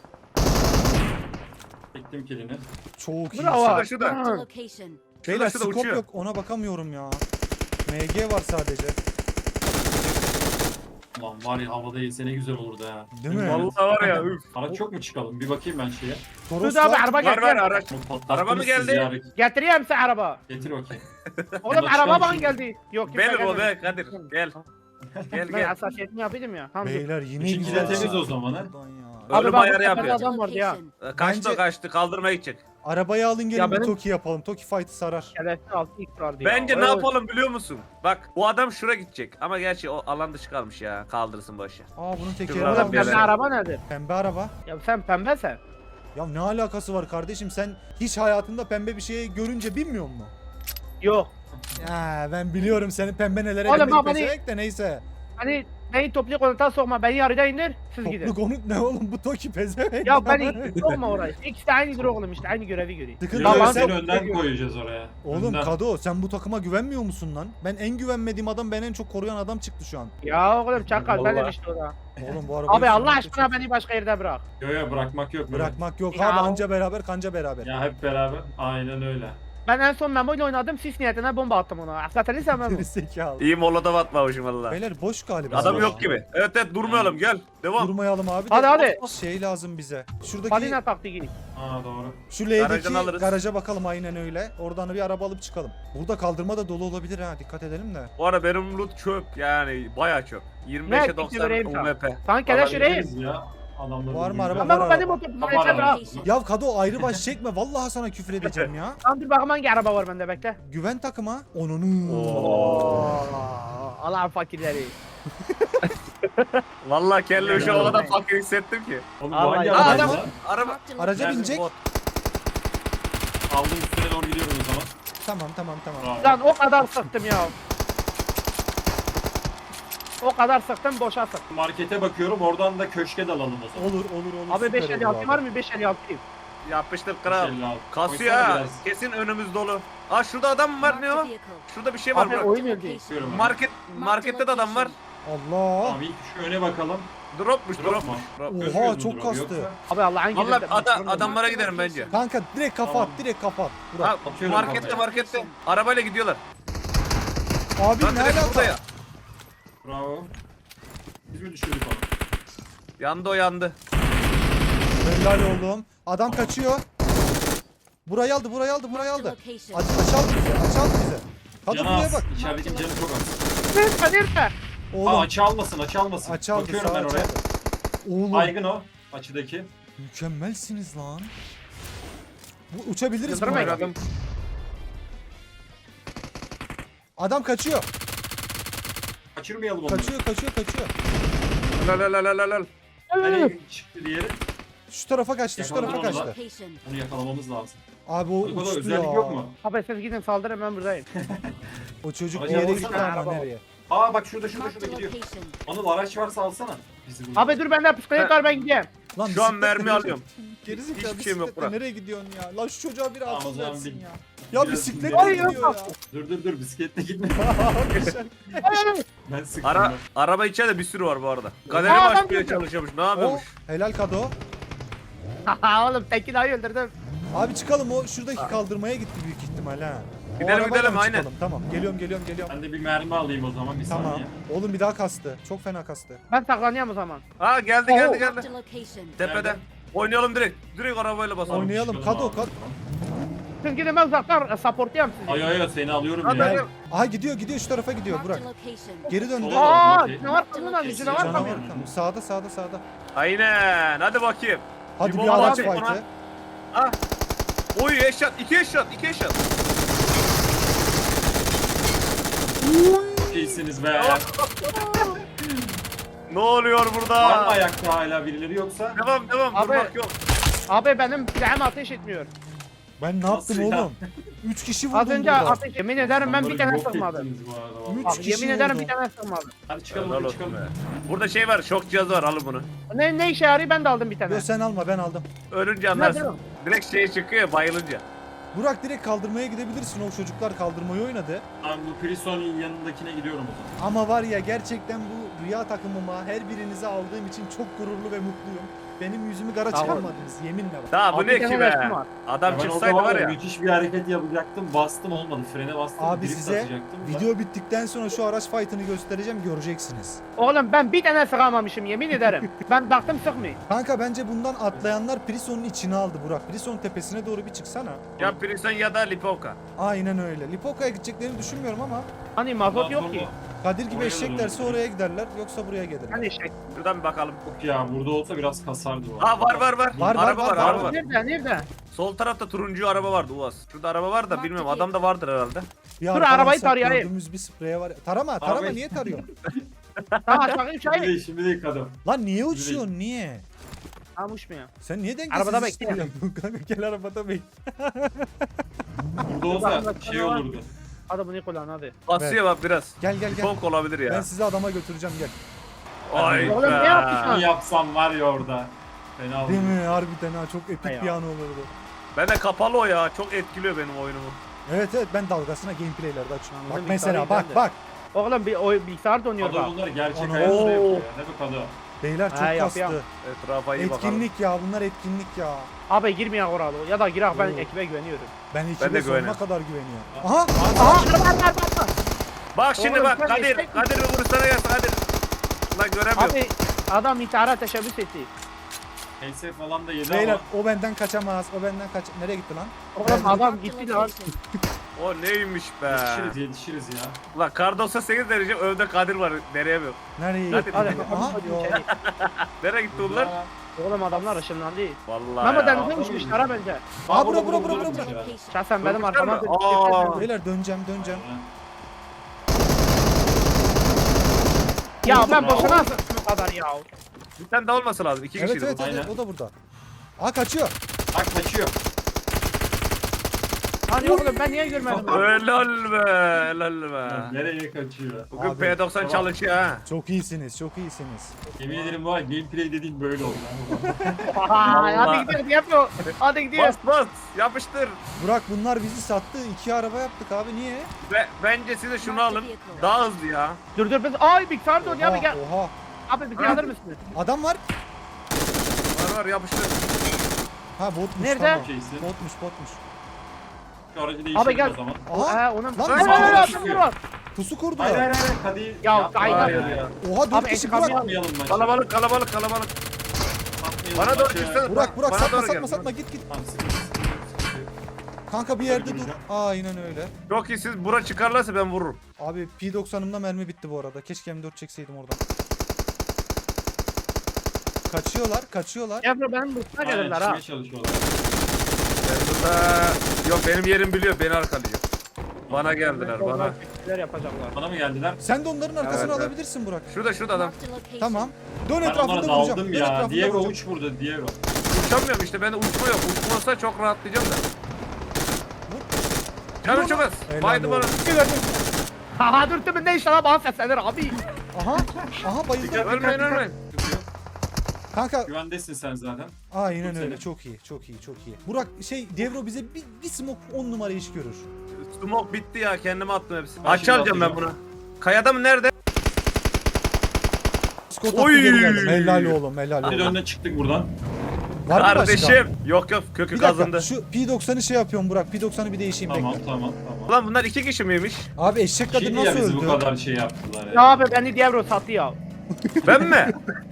[SPEAKER 4] Çektim kilini.
[SPEAKER 1] Çok iyi.
[SPEAKER 2] Bravo.
[SPEAKER 3] Şurada şurada.
[SPEAKER 7] Marked a
[SPEAKER 2] Ha.
[SPEAKER 7] location.
[SPEAKER 1] Beyler
[SPEAKER 3] şurada
[SPEAKER 1] scope
[SPEAKER 3] uçuyor.
[SPEAKER 1] yok, ona bakamıyorum ya. M G var sadece.
[SPEAKER 4] Ulan var ya havada yese ne güzel olurdu ha.
[SPEAKER 1] Değil mi?
[SPEAKER 3] Vallahi var ya üf.
[SPEAKER 4] Araç çok mu çıkalım? Bir bakayım ben şeye.
[SPEAKER 1] Toros
[SPEAKER 2] Dur abi
[SPEAKER 1] var.
[SPEAKER 2] araba
[SPEAKER 3] Var var
[SPEAKER 2] getir.
[SPEAKER 3] araç.
[SPEAKER 4] Patlattınız
[SPEAKER 3] Araba mı
[SPEAKER 4] siz
[SPEAKER 3] geldi?
[SPEAKER 4] ya.
[SPEAKER 2] Getireyim size araba.
[SPEAKER 4] Getir bakayım.
[SPEAKER 2] Oğlum
[SPEAKER 4] Ondan
[SPEAKER 2] araba
[SPEAKER 4] çıkalım
[SPEAKER 2] bana
[SPEAKER 4] şimdi.
[SPEAKER 2] geldi. Yok kimse
[SPEAKER 3] Benim o
[SPEAKER 2] gelmedi.
[SPEAKER 3] be Kadir. Gel. Gel
[SPEAKER 2] Ben
[SPEAKER 3] gel.
[SPEAKER 2] hassasiyetimi yapayım ya. Tamam dur.
[SPEAKER 1] Beyler yine
[SPEAKER 4] İçin
[SPEAKER 1] güzel.
[SPEAKER 4] güzel temiz o zaman ha.
[SPEAKER 1] Buradan ya.
[SPEAKER 2] Abi
[SPEAKER 3] Ölüm
[SPEAKER 2] bak,
[SPEAKER 3] ayarı
[SPEAKER 2] bak,
[SPEAKER 3] yapıyor.
[SPEAKER 2] adam vardı ya.
[SPEAKER 7] Location.
[SPEAKER 3] Kaçtı
[SPEAKER 1] Bence-
[SPEAKER 3] kaçtı kaldırmaya gidecek.
[SPEAKER 1] Arabayı alın gelin
[SPEAKER 2] Ya
[SPEAKER 1] bir
[SPEAKER 2] benim-
[SPEAKER 1] Toki yapalım. Toki fight'ı sarar.
[SPEAKER 2] Şerefsiz altı x vardı ya.
[SPEAKER 3] Bence ne
[SPEAKER 2] Evet.
[SPEAKER 3] yapalım biliyor musun? Bak bu adam şura gidecek. Ama gerçi o alan dışı kalmış ya. Kaldırsın başı.
[SPEAKER 1] Aa bunun tekeri
[SPEAKER 3] Şuradan
[SPEAKER 2] Oğlum
[SPEAKER 3] bir
[SPEAKER 1] var.
[SPEAKER 3] yere-
[SPEAKER 2] pembe araba nedir?
[SPEAKER 1] Pembe araba.
[SPEAKER 2] Ya sen pembesen.
[SPEAKER 1] Ya ne alakası var kardeşim? Sen hiç hayatında pembe bir şey görünce bilmiyor musun?
[SPEAKER 2] Yok.
[SPEAKER 1] Ya ben biliyorum senin pembe nelere
[SPEAKER 2] Oğlum
[SPEAKER 1] binmek
[SPEAKER 2] bak hani-
[SPEAKER 1] pezevenk de neyse.
[SPEAKER 2] Hani beni toplu konuta sokma. Beni yarıda indir. Siz gidin.
[SPEAKER 1] Toplu konut ne oğlum bu Toki pezevenk.
[SPEAKER 2] Ya beni sokma orayı. İkisi de aynıdır oğlum işte. Aynı görevi görüyor.
[SPEAKER 1] Sıkıntı
[SPEAKER 4] Yok,
[SPEAKER 1] yok.
[SPEAKER 2] ben
[SPEAKER 4] seni
[SPEAKER 2] çok
[SPEAKER 4] önden
[SPEAKER 2] seviyorum.
[SPEAKER 4] koyacağız oraya.
[SPEAKER 1] Oğlum
[SPEAKER 4] Önden.
[SPEAKER 1] Kado sen bu takıma güvenmiyor musun lan? Ben en güvenmediğim adam, ben en çok koruyan adam çıktı şu an.
[SPEAKER 2] Ya oğlum çakal ben de
[SPEAKER 3] Vallahi.
[SPEAKER 2] işte orada.
[SPEAKER 1] Oğlum bu arabayı
[SPEAKER 2] Abi Allah
[SPEAKER 1] sürmekte
[SPEAKER 2] aşkına
[SPEAKER 1] çok-
[SPEAKER 2] beni başka yerde bırak.
[SPEAKER 4] Yo yo bırakmak yok. böyle.
[SPEAKER 1] Bırakmak yok
[SPEAKER 2] Ya.
[SPEAKER 1] abi, anca beraber kanca beraber.
[SPEAKER 4] Ya hep beraber. Aynen öyle.
[SPEAKER 2] Ben en son Memo ile oynadım. Sis niyetine bomba attım ona. Zaten sen Memo.
[SPEAKER 1] Gerizekalı.
[SPEAKER 3] İyi molada atmamışım valla.
[SPEAKER 1] Beyler boş galiba.
[SPEAKER 3] Adam
[SPEAKER 1] ya.
[SPEAKER 3] yok gibi. Evet evet durmayalım gel. Devam.
[SPEAKER 1] Durmayalım abi. de
[SPEAKER 2] Hadi, hadi.
[SPEAKER 1] Şey lazım bize. Şuradaki
[SPEAKER 2] Balina taktiği.
[SPEAKER 4] Aa doğru.
[SPEAKER 1] şu L'deki
[SPEAKER 3] Garajdan alırız.
[SPEAKER 1] garaja bakalım aynen öyle. Oradan bir araba alıp çıkalım. Burada kaldırma da dolu olabilir ha, dikkat edelim de.
[SPEAKER 3] Bu ara benim loot çöp yani bayağı çöp. yirmi beşe
[SPEAKER 2] Ne?
[SPEAKER 3] doksan
[SPEAKER 2] vereyim sana.
[SPEAKER 3] U M P.
[SPEAKER 2] Sana keleş vereyim.
[SPEAKER 4] Alabiliriz ya. Adamlar
[SPEAKER 1] Var mı
[SPEAKER 4] da
[SPEAKER 1] araba?
[SPEAKER 4] güzel.
[SPEAKER 2] Ama
[SPEAKER 1] Var
[SPEAKER 2] benim
[SPEAKER 1] araba.
[SPEAKER 2] oturup
[SPEAKER 4] Tamam,
[SPEAKER 2] bırak.
[SPEAKER 4] araba.
[SPEAKER 1] Ya Kado ayrı baş çekme, vallahi sana küfür edeceğim ya.
[SPEAKER 2] Tamam dur bakalım hangi araba var bende bekle.
[SPEAKER 1] Güven takıma. Onunu.
[SPEAKER 2] Oo. Allah'ın fakirleri.
[SPEAKER 3] Valla kendimi şu
[SPEAKER 4] Yani
[SPEAKER 3] an o kadar
[SPEAKER 2] öyle.
[SPEAKER 3] fakir hissettim ki.
[SPEAKER 4] Oğlum bu
[SPEAKER 2] Allah
[SPEAKER 4] hangi
[SPEAKER 2] ya.
[SPEAKER 3] Aa,
[SPEAKER 4] araba
[SPEAKER 3] adam
[SPEAKER 4] ya?
[SPEAKER 3] araba.
[SPEAKER 7] Marked a
[SPEAKER 1] Araca
[SPEAKER 4] Nerede?
[SPEAKER 1] binecek.
[SPEAKER 3] Bot.
[SPEAKER 4] Aldım üstüne doğru gidiyorum o zaman.
[SPEAKER 1] Tamam tamam tamam.
[SPEAKER 4] Bravo.
[SPEAKER 2] Lan o kadar sıktım ya. O kadar sıktım boşa sıktım.
[SPEAKER 4] Markete bakıyorum oradan da köşke dalalım o zaman.
[SPEAKER 1] Olur olur olur.
[SPEAKER 2] Abi
[SPEAKER 1] süper
[SPEAKER 2] beş
[SPEAKER 1] olur
[SPEAKER 2] elli altı
[SPEAKER 1] abi.
[SPEAKER 2] var mı? beş elli altıyım.
[SPEAKER 3] Yapıştır kral.
[SPEAKER 4] elli altı.
[SPEAKER 3] Kasıyor
[SPEAKER 4] Koysana
[SPEAKER 3] ha.
[SPEAKER 4] biraz.
[SPEAKER 3] Kesin önümüz dolu. Aa şurada adam var ne
[SPEAKER 7] Marked a
[SPEAKER 3] o?
[SPEAKER 7] vehicle.
[SPEAKER 3] Şurada bir şey var
[SPEAKER 2] Abi
[SPEAKER 3] bırak.
[SPEAKER 2] oyun öldü.
[SPEAKER 4] Bakıyorum ben.
[SPEAKER 3] Market markette de adam var.
[SPEAKER 1] Allah.
[SPEAKER 4] Tamam ilk şu öne bakalım.
[SPEAKER 3] Dropmuş
[SPEAKER 4] Drop mu?
[SPEAKER 3] dropmuş. Drop.
[SPEAKER 1] Oha,
[SPEAKER 4] Görmüyor
[SPEAKER 1] çok
[SPEAKER 4] musun drop'u
[SPEAKER 1] kastı.
[SPEAKER 4] yoksa?
[SPEAKER 2] Abi Allah'ın
[SPEAKER 3] Valla
[SPEAKER 2] gibi.
[SPEAKER 3] ada, adamlara gidelim bence.
[SPEAKER 1] Kanka direkt kafa
[SPEAKER 4] Tamam.
[SPEAKER 1] at direkt kafa at. Burak.
[SPEAKER 3] Ha,
[SPEAKER 4] Atıyorum
[SPEAKER 3] markette
[SPEAKER 4] kafaya.
[SPEAKER 3] markette. Arabayla gidiyorlar.
[SPEAKER 1] Abi
[SPEAKER 3] Lan
[SPEAKER 1] ne
[SPEAKER 3] direkt
[SPEAKER 1] alaka?
[SPEAKER 3] burada ya.
[SPEAKER 4] Bravo. Biz mi düşürdük onu?
[SPEAKER 3] Yandı o yandı.
[SPEAKER 1] Helal oğlum. Adam kaçıyor. Burayı aldı burayı aldı burayı
[SPEAKER 7] Marked a
[SPEAKER 1] aldı.
[SPEAKER 7] location.
[SPEAKER 1] Aç, aç aldı bize aç aldı bize. Hadi
[SPEAKER 4] Canı
[SPEAKER 1] buraya
[SPEAKER 4] az.
[SPEAKER 1] bak.
[SPEAKER 4] İçeridekinin canı çok az.
[SPEAKER 2] Nerede nerede?
[SPEAKER 4] Aa
[SPEAKER 1] Oğlum
[SPEAKER 4] açı almasın açı almasın.
[SPEAKER 1] aç aldı
[SPEAKER 4] Bakıyorum
[SPEAKER 1] sağ
[SPEAKER 4] ben
[SPEAKER 1] aç
[SPEAKER 4] oraya.
[SPEAKER 1] aldı. Oğlum
[SPEAKER 4] Baygın o. Açıdaki.
[SPEAKER 1] mükemmelsiniz lan. Bu, uçabiliriz
[SPEAKER 2] Yıldırım
[SPEAKER 1] bu
[SPEAKER 2] ekran.
[SPEAKER 1] arada. Adam kaçıyor.
[SPEAKER 4] Kaçırmayalım onu.
[SPEAKER 1] Kaçıyor kaçıyor kaçıyor.
[SPEAKER 3] Lal lal lal lal lal.
[SPEAKER 4] Nereye çıktı diğeri?
[SPEAKER 1] Şu tarafa kaçtı şu
[SPEAKER 4] Yakaladım
[SPEAKER 1] tarafa
[SPEAKER 4] onu da.
[SPEAKER 1] kaçtı.
[SPEAKER 7] Location.
[SPEAKER 4] Onu yakalamamız lazım.
[SPEAKER 1] Abi o
[SPEAKER 4] Bu kadar
[SPEAKER 1] uçtu
[SPEAKER 4] özellik
[SPEAKER 1] ya.
[SPEAKER 4] yok mu?
[SPEAKER 2] Abi siz gidin saldırın ben buradayım.
[SPEAKER 1] O çocuk bir
[SPEAKER 4] Acaba
[SPEAKER 1] yere
[SPEAKER 4] olsana
[SPEAKER 1] gitti ama
[SPEAKER 2] araba.
[SPEAKER 1] nereye?
[SPEAKER 4] Aa bak şurada şurada
[SPEAKER 7] Marked
[SPEAKER 4] şurada
[SPEAKER 7] a
[SPEAKER 4] gidiyor.
[SPEAKER 7] location.
[SPEAKER 4] Anıl araç varsa alsana. Bizi bulur.
[SPEAKER 2] Abi dur bende psikolojik var ben gideyim.
[SPEAKER 1] Lan
[SPEAKER 3] Şu an
[SPEAKER 1] bisikletle
[SPEAKER 3] mermi
[SPEAKER 1] nereye-
[SPEAKER 3] alıyorum.
[SPEAKER 1] Gerizekalı
[SPEAKER 3] Hiçbir şeyim yok
[SPEAKER 1] bisikletle
[SPEAKER 3] Burak.
[SPEAKER 1] nereye gidiyorsun ya? Lan şu çocuğa bir
[SPEAKER 4] Tamam, o
[SPEAKER 1] akıl
[SPEAKER 4] zaman
[SPEAKER 1] versin
[SPEAKER 4] bir-
[SPEAKER 1] ya. Ya
[SPEAKER 4] biraz
[SPEAKER 1] bisikletle
[SPEAKER 2] Ay,
[SPEAKER 1] gidiyor
[SPEAKER 2] yok.
[SPEAKER 1] ya.
[SPEAKER 4] Dur dur dur bisikletle gitme. Ben sıktım
[SPEAKER 3] Ara,
[SPEAKER 4] ben.
[SPEAKER 3] araba içeride bir sürü var bu arada. Kaderi
[SPEAKER 2] Aa, adam
[SPEAKER 3] başlıyor
[SPEAKER 2] geldi.
[SPEAKER 3] çalışıyormuş. Ne
[SPEAKER 1] O
[SPEAKER 3] yapıyormuş?
[SPEAKER 1] helal kado.
[SPEAKER 2] Haha oğlum Tekin ayı öldürdüm.
[SPEAKER 1] Abi çıkalım o şuradaki kaldırmaya gitti büyük ihtimal ha. O
[SPEAKER 3] Gidelim,
[SPEAKER 1] arabayla
[SPEAKER 3] gidelim,
[SPEAKER 1] mı
[SPEAKER 3] aynen.
[SPEAKER 1] çıkalım? Tamam geliyorum geliyorum geliyorum.
[SPEAKER 4] Ben de bir mermi alayım o zaman bir
[SPEAKER 1] Tamam.
[SPEAKER 4] saniye.
[SPEAKER 1] Oğlum bir daha kastı. Çok fena kastı.
[SPEAKER 2] Ben saklanıyorum o zaman.
[SPEAKER 3] Aa geldi geldi
[SPEAKER 2] Oo.
[SPEAKER 3] geldi.
[SPEAKER 7] Marked a location.
[SPEAKER 3] Tepede.
[SPEAKER 4] Nerede?
[SPEAKER 3] Oynayalım direkt. Direkt arabayla basalım.
[SPEAKER 1] Oynayalım.
[SPEAKER 4] Çıkalım
[SPEAKER 1] Kado
[SPEAKER 4] abi.
[SPEAKER 1] kado.
[SPEAKER 2] Siz gidin ben uzaktan e, supportlayayım sizi.
[SPEAKER 4] Ay ay ay seni alıyorum
[SPEAKER 3] Hadi,
[SPEAKER 4] ya.
[SPEAKER 3] hadi.
[SPEAKER 1] Aha gidiyor gidiyor şu tarafa gidiyor
[SPEAKER 7] Marked
[SPEAKER 1] Burak.
[SPEAKER 7] a location.
[SPEAKER 1] Geri döndü.
[SPEAKER 4] Sola
[SPEAKER 2] Aa
[SPEAKER 4] Okey.
[SPEAKER 2] canavar kamyon abi canavar
[SPEAKER 1] Canavar
[SPEAKER 2] kamyon.
[SPEAKER 1] kamyon. Sağda sağda sağda.
[SPEAKER 3] Aynen. Hadi bakayım.
[SPEAKER 1] Hadi bir
[SPEAKER 3] Limon
[SPEAKER 1] araç
[SPEAKER 3] abi,
[SPEAKER 1] fight'ı.
[SPEAKER 3] ona. Ah. Oy eşyat. iki eşyat. iki eşyat.
[SPEAKER 4] Çok iyisiniz be.
[SPEAKER 3] Ne oluyor
[SPEAKER 4] Var mı
[SPEAKER 3] burada?
[SPEAKER 4] ayakta hala birileri yoksa?
[SPEAKER 3] Devam devam.
[SPEAKER 2] Abi.
[SPEAKER 3] Durmak yok.
[SPEAKER 2] Abi benim silahım ateş etmiyor.
[SPEAKER 1] Ben ne
[SPEAKER 4] Nasıl
[SPEAKER 1] yaptım
[SPEAKER 4] ya?
[SPEAKER 1] oğlum? Üç kişi vurdum
[SPEAKER 2] Az önce
[SPEAKER 1] burada.
[SPEAKER 2] ateş yemin ederim ben bir tane
[SPEAKER 4] Yok
[SPEAKER 2] sıkmadım.
[SPEAKER 4] ettiniz bu arada vallahi.
[SPEAKER 1] Üç
[SPEAKER 2] Abi
[SPEAKER 1] kişi
[SPEAKER 2] yemin ederim
[SPEAKER 1] vurdum.
[SPEAKER 2] bir tane sıkmadım.
[SPEAKER 4] Hadi çıkalım
[SPEAKER 3] Helal
[SPEAKER 4] hadi
[SPEAKER 3] olsun
[SPEAKER 4] çıkalım.
[SPEAKER 3] be. Burada şey var. Şok cihazı var. Alın bunu.
[SPEAKER 2] Ne ne işe yarıyor ben de aldım bir tane.
[SPEAKER 1] Yo sen alma ben aldım.
[SPEAKER 3] Ölünce
[SPEAKER 2] Ne
[SPEAKER 3] anlarsın.
[SPEAKER 2] diyor?
[SPEAKER 3] Direkt şeye çıkıyor ya bayılınca.
[SPEAKER 1] Burak direkt kaldırmaya gidebilirsin. O çocuklar kaldırmayı oynadı.
[SPEAKER 4] Ben bu Prison'un yanındakine gidiyorum o zaman.
[SPEAKER 1] Ama var ya gerçekten bu rüya takımıma her birinizi aldığım için çok gururlu ve mutluyum. Benim yüzümü kara
[SPEAKER 2] Sağ ol.
[SPEAKER 1] çıkarmadınız yeminle bak.
[SPEAKER 3] Daha bu
[SPEAKER 2] Abi
[SPEAKER 3] ne
[SPEAKER 2] bir
[SPEAKER 3] ki
[SPEAKER 2] tane
[SPEAKER 3] be?
[SPEAKER 2] resmi var.
[SPEAKER 3] Adam
[SPEAKER 4] Ya ben o
[SPEAKER 3] çıksaydı
[SPEAKER 4] zaman
[SPEAKER 3] var ya.
[SPEAKER 4] müthiş bir hareket yapacaktım. Bastım olmadı. Frene bastım.
[SPEAKER 1] Abi
[SPEAKER 4] drift
[SPEAKER 1] size
[SPEAKER 4] atacaktım da.
[SPEAKER 1] video bittikten sonra şu araç fight'ını göstereceğim göreceksiniz.
[SPEAKER 2] Oğlum ben bir tane sıkamamışım yemin ederim. Ben baktım sıkmayın.
[SPEAKER 1] Kanka bence bundan atlayanlar Prison'un içine aldı Burak. Prison tepesine doğru bir çıksana.
[SPEAKER 3] Ya Prison ya da Lipovka.
[SPEAKER 1] Aynen öyle. Lipoka'ya gideceklerini düşünmüyorum ama
[SPEAKER 2] Hani mazot
[SPEAKER 4] Ondan
[SPEAKER 2] yok
[SPEAKER 4] sonra-
[SPEAKER 2] ki.
[SPEAKER 1] Kadir gibi
[SPEAKER 4] Oraya
[SPEAKER 1] eşeklerse
[SPEAKER 4] doğru.
[SPEAKER 1] oraya giderler yoksa buraya gelirler.
[SPEAKER 2] Hani şey.
[SPEAKER 3] Şuradan bir bakalım.
[SPEAKER 4] Yok ya burada olsa biraz kasardı bu.
[SPEAKER 3] Aa var var var.
[SPEAKER 1] Var, var,
[SPEAKER 3] araba
[SPEAKER 1] var,
[SPEAKER 3] var,
[SPEAKER 1] var,
[SPEAKER 3] araba var.
[SPEAKER 2] Nerede nerede?
[SPEAKER 3] Sol tarafta turuncu araba vardı Uaz. Şurada araba var da bilmiyorum adam da vardır herhalde.
[SPEAKER 1] Bir
[SPEAKER 2] Dur,
[SPEAKER 1] arkadan
[SPEAKER 2] arabayı tarayayım.
[SPEAKER 1] gördüğümüz bir spreye var. Tarama tarama
[SPEAKER 4] Arabayı-
[SPEAKER 1] niye tarıyorsun?
[SPEAKER 2] Tamam aşağı
[SPEAKER 4] Şimdi
[SPEAKER 2] uçayım.
[SPEAKER 4] değil şimdi değil kadın.
[SPEAKER 1] Lan niye uçuyorsun niye?
[SPEAKER 2] Tamam uçmuyor.
[SPEAKER 1] Sen niye dengesiz
[SPEAKER 2] Arabada
[SPEAKER 1] işler
[SPEAKER 2] bekleyin.
[SPEAKER 1] yapıyorsun kanka gel arabada bekle.
[SPEAKER 4] Burada olsa
[SPEAKER 2] Bak,
[SPEAKER 4] şey
[SPEAKER 2] bak, bak.
[SPEAKER 4] olurdu.
[SPEAKER 2] Hadi bunu kullan hadi.
[SPEAKER 3] Basıyor bak biraz.
[SPEAKER 1] Gel gel gel.
[SPEAKER 3] Çok olabilir
[SPEAKER 1] Ben
[SPEAKER 3] ya.
[SPEAKER 1] sizi adama götüreceğim gel.
[SPEAKER 3] Ay
[SPEAKER 2] Oğlum, ne
[SPEAKER 3] be.
[SPEAKER 2] yapıyorsun?
[SPEAKER 4] Bunu yapsam var ya orada. Fena
[SPEAKER 1] Değil
[SPEAKER 4] olurdu.
[SPEAKER 1] mi? Harbiden ha çok epik
[SPEAKER 2] Hay
[SPEAKER 1] bir
[SPEAKER 2] ya.
[SPEAKER 1] an olurdu.
[SPEAKER 3] Ben de kapalı o ya. Çok etkiliyor benim oyunumu.
[SPEAKER 1] Evet evet ben dalgasına gameplaylerde açıyorum. Bak
[SPEAKER 2] Anladım,
[SPEAKER 1] mesela
[SPEAKER 2] bilgisayarı
[SPEAKER 1] bak
[SPEAKER 2] güzeldi.
[SPEAKER 1] bak.
[SPEAKER 2] Oğlum bir o bilgisayar donuyor
[SPEAKER 4] Kado
[SPEAKER 2] bak.
[SPEAKER 4] bunlar gerçek
[SPEAKER 1] Ana.
[SPEAKER 4] hayatta
[SPEAKER 1] Oo.
[SPEAKER 4] yapıyor ya. Ne bu Kado?
[SPEAKER 1] Beyler çok
[SPEAKER 2] Ha,
[SPEAKER 1] kastı.
[SPEAKER 2] yapıyorum.
[SPEAKER 3] Etrafa iyi bakalım.
[SPEAKER 1] Etkinlik ya bunlar etkinlik ya.
[SPEAKER 2] Abi girmeyen oralı. Ya da girak ben
[SPEAKER 1] Oo.
[SPEAKER 2] ekibe güveniyorum.
[SPEAKER 1] Ben
[SPEAKER 3] Ben de
[SPEAKER 1] ekibe sonuna
[SPEAKER 3] güveniyorum.
[SPEAKER 1] kadar güveniyorum. Aha!
[SPEAKER 2] Aha araba araba araba.
[SPEAKER 3] Bak şimdi
[SPEAKER 2] Oğlum,
[SPEAKER 3] bak
[SPEAKER 2] sen
[SPEAKER 3] Kadir.
[SPEAKER 2] eşek
[SPEAKER 3] Kadir bir vurursana gelsin Kadir. Lan göremiyorum.
[SPEAKER 2] Abi adam intihara teşebbüs etti.
[SPEAKER 4] H S falan da yedi
[SPEAKER 1] Beyler
[SPEAKER 4] ama.
[SPEAKER 1] o benden kaçamaz. O benden kaç... Nereye gitti lan?
[SPEAKER 2] Oğlum adam
[SPEAKER 7] Marked a
[SPEAKER 2] gitti lan.
[SPEAKER 7] location.
[SPEAKER 3] O neymiş be.
[SPEAKER 4] Yetişiriz yetişiriz ya.
[SPEAKER 3] Lan kar doksan sekiz derece önde Kadir var. Nereye mi?
[SPEAKER 1] Nereye
[SPEAKER 3] Hadi,
[SPEAKER 1] gitti?
[SPEAKER 2] Hadi
[SPEAKER 1] Aha!
[SPEAKER 2] hadi
[SPEAKER 1] Yo.
[SPEAKER 2] içeri.
[SPEAKER 3] Nereye gitti onlar?
[SPEAKER 2] Oğlum adamlar ışınlandı.
[SPEAKER 3] Vallahi
[SPEAKER 2] Memo
[SPEAKER 3] ya.
[SPEAKER 2] denize uçmuşlar ha bence.
[SPEAKER 1] Aa bura bura bura bura. bura.
[SPEAKER 7] Location.
[SPEAKER 2] Şahsen benim
[SPEAKER 3] Görmüşler
[SPEAKER 2] arkamdan
[SPEAKER 3] mi? Aa.
[SPEAKER 1] Beyler döneceğim döneceğim.
[SPEAKER 2] Ya ben boşuna sıktım o kadar ya.
[SPEAKER 3] Bir tane daha olması lazım. İki
[SPEAKER 1] Evet
[SPEAKER 3] kişiydi
[SPEAKER 1] evet,
[SPEAKER 3] bu.
[SPEAKER 1] evet
[SPEAKER 4] Aynen.
[SPEAKER 1] o da burada. Aa kaçıyor.
[SPEAKER 4] Bak kaçıyor.
[SPEAKER 2] Hani oğlum ben niye görmedim?
[SPEAKER 3] Helal be. Helal be.
[SPEAKER 4] Lan nereye kaçıyor?
[SPEAKER 3] Bugün
[SPEAKER 1] Abi,
[SPEAKER 3] P doksan
[SPEAKER 4] tamam.
[SPEAKER 3] çalışıyor ha.
[SPEAKER 1] Çok iyisiniz, çok iyisiniz.
[SPEAKER 4] Yemin ederim var ya, gameplay dediğin böyle oldu.
[SPEAKER 2] Ay, hadi gidiyoruz yapıyor. Hadi gidiyoruz.
[SPEAKER 3] Bas bas. Yapıştır.
[SPEAKER 1] Burak bunlar bizi sattı. İki araba yaptık abi niye?
[SPEAKER 3] Ve bence size şunu alın. Daha hızlı ya.
[SPEAKER 2] Dur dur biz. Ay bir pardon ya bir gel.
[SPEAKER 1] Oha.
[SPEAKER 2] Abi bir alır mısınız?
[SPEAKER 1] Adam var.
[SPEAKER 3] Var var yapıştır.
[SPEAKER 1] Ha botmuş
[SPEAKER 2] Nerede?
[SPEAKER 1] tamam.
[SPEAKER 4] Şeysin.
[SPEAKER 1] Botmuş botmuş.
[SPEAKER 4] Şu aracı değiştirelim
[SPEAKER 2] Abi gel.
[SPEAKER 4] o zaman.
[SPEAKER 1] Aha.
[SPEAKER 2] Aa onun.
[SPEAKER 1] Lan
[SPEAKER 2] Lan
[SPEAKER 1] biz
[SPEAKER 2] lan
[SPEAKER 1] burada
[SPEAKER 2] lan
[SPEAKER 4] çıkıyor.
[SPEAKER 2] lan.
[SPEAKER 1] pusu kurdu.
[SPEAKER 4] Hayır hayır hayır. Hadi.
[SPEAKER 2] Ya,
[SPEAKER 4] yapma
[SPEAKER 2] hayır,
[SPEAKER 3] hayır
[SPEAKER 4] ya.
[SPEAKER 3] ya.
[SPEAKER 1] Oha dört
[SPEAKER 2] Abi,
[SPEAKER 1] kişi
[SPEAKER 2] intikam
[SPEAKER 1] Burak.
[SPEAKER 2] ya.
[SPEAKER 4] Satmayalım maçı.
[SPEAKER 3] Kalabalık kalabalık kalabalık.
[SPEAKER 4] Satmayalım
[SPEAKER 3] Bana doğru
[SPEAKER 4] maçı.
[SPEAKER 3] çıksana.
[SPEAKER 1] Burak Burak
[SPEAKER 3] Bana
[SPEAKER 1] satma
[SPEAKER 3] doğru
[SPEAKER 1] satma
[SPEAKER 3] gel.
[SPEAKER 1] satma git git.
[SPEAKER 4] Tamam, sıkıntı yok, sıkıntı yok.
[SPEAKER 1] Kanka bir yerde dur.
[SPEAKER 4] Gireceğim.
[SPEAKER 1] Aynen öyle.
[SPEAKER 3] Çok iyi siz bura çıkarlarsa ben vururum.
[SPEAKER 1] Abi P doksanımda mermi bitti bu arada. Keşke M dört çekseydim oradan. Kaçıyorlar, kaçıyorlar.
[SPEAKER 2] Ebru benim boostuna
[SPEAKER 4] Aynen,
[SPEAKER 2] gelirler ha.
[SPEAKER 4] çıkmaya çalışıyorlar.
[SPEAKER 3] Ben burada... Yok benim yerim biliyor beni arkalıyor. Bana geldiler bana.
[SPEAKER 2] Neler yapacaklar.
[SPEAKER 4] Bana mı geldiler?
[SPEAKER 1] Sen de onların arkasını
[SPEAKER 3] Evet, evet.
[SPEAKER 1] alabilirsin Burak.
[SPEAKER 3] Şurada şurada adam.
[SPEAKER 7] Marked a location.
[SPEAKER 1] Tamam. Dön
[SPEAKER 4] Ben
[SPEAKER 1] etrafında
[SPEAKER 4] onlara
[SPEAKER 1] vuracağım.
[SPEAKER 4] daldım
[SPEAKER 1] Dön
[SPEAKER 4] ya.
[SPEAKER 1] etrafında
[SPEAKER 4] Diego
[SPEAKER 1] vuracağım.
[SPEAKER 4] uç burada Diego.
[SPEAKER 3] Uçamıyorum işte bende uçma yok. Uçma olsa çok rahatlayacağım da. Canım çok az.
[SPEAKER 1] Helal
[SPEAKER 3] Baydı bana.
[SPEAKER 1] olsun.
[SPEAKER 2] Haha dur dur ne inşallah bana seslenir abi.
[SPEAKER 1] Aha. Aha bayıldı.
[SPEAKER 3] Ölmeyin ölmeyin.
[SPEAKER 1] Kanka
[SPEAKER 4] Güvendesin sen zaten.
[SPEAKER 1] aynen
[SPEAKER 4] Tut
[SPEAKER 1] öyle.
[SPEAKER 4] seni.
[SPEAKER 1] Çok iyi. Çok iyi. Çok iyi. Burak şey Devro bize bir, bir smoke on numara iş görür.
[SPEAKER 3] Smoke bitti ya kendime attım hepsini.
[SPEAKER 4] Ben
[SPEAKER 3] Aç
[SPEAKER 4] şimdi
[SPEAKER 3] alacağım ben
[SPEAKER 4] atacağım.
[SPEAKER 3] bunu. Kayada mı nerede?
[SPEAKER 1] Skot
[SPEAKER 3] Oy!
[SPEAKER 1] attı geri geldim. Helal oğlum helal
[SPEAKER 4] Hadi
[SPEAKER 1] oğlum.
[SPEAKER 4] önüne çıktık buradan.
[SPEAKER 1] Var mı başka?
[SPEAKER 3] Kardeşim. Yok yok kökü
[SPEAKER 1] Bir dakika
[SPEAKER 3] kazındı.
[SPEAKER 1] şu P doksanı şey yapıyorum Burak. P doksanı bir değişeyim
[SPEAKER 4] Tamam
[SPEAKER 1] bekle.
[SPEAKER 4] tamam tamam.
[SPEAKER 3] Ulan bunlar iki kişi miymiş?
[SPEAKER 1] Abi eşek kadın
[SPEAKER 4] Şimdi ya
[SPEAKER 1] nasıl
[SPEAKER 4] bizi bu
[SPEAKER 1] öldü?
[SPEAKER 4] kadar şey yaptılar
[SPEAKER 2] Ya
[SPEAKER 4] ya.
[SPEAKER 2] abi beni Diablo sattı ya.
[SPEAKER 3] Ben mi?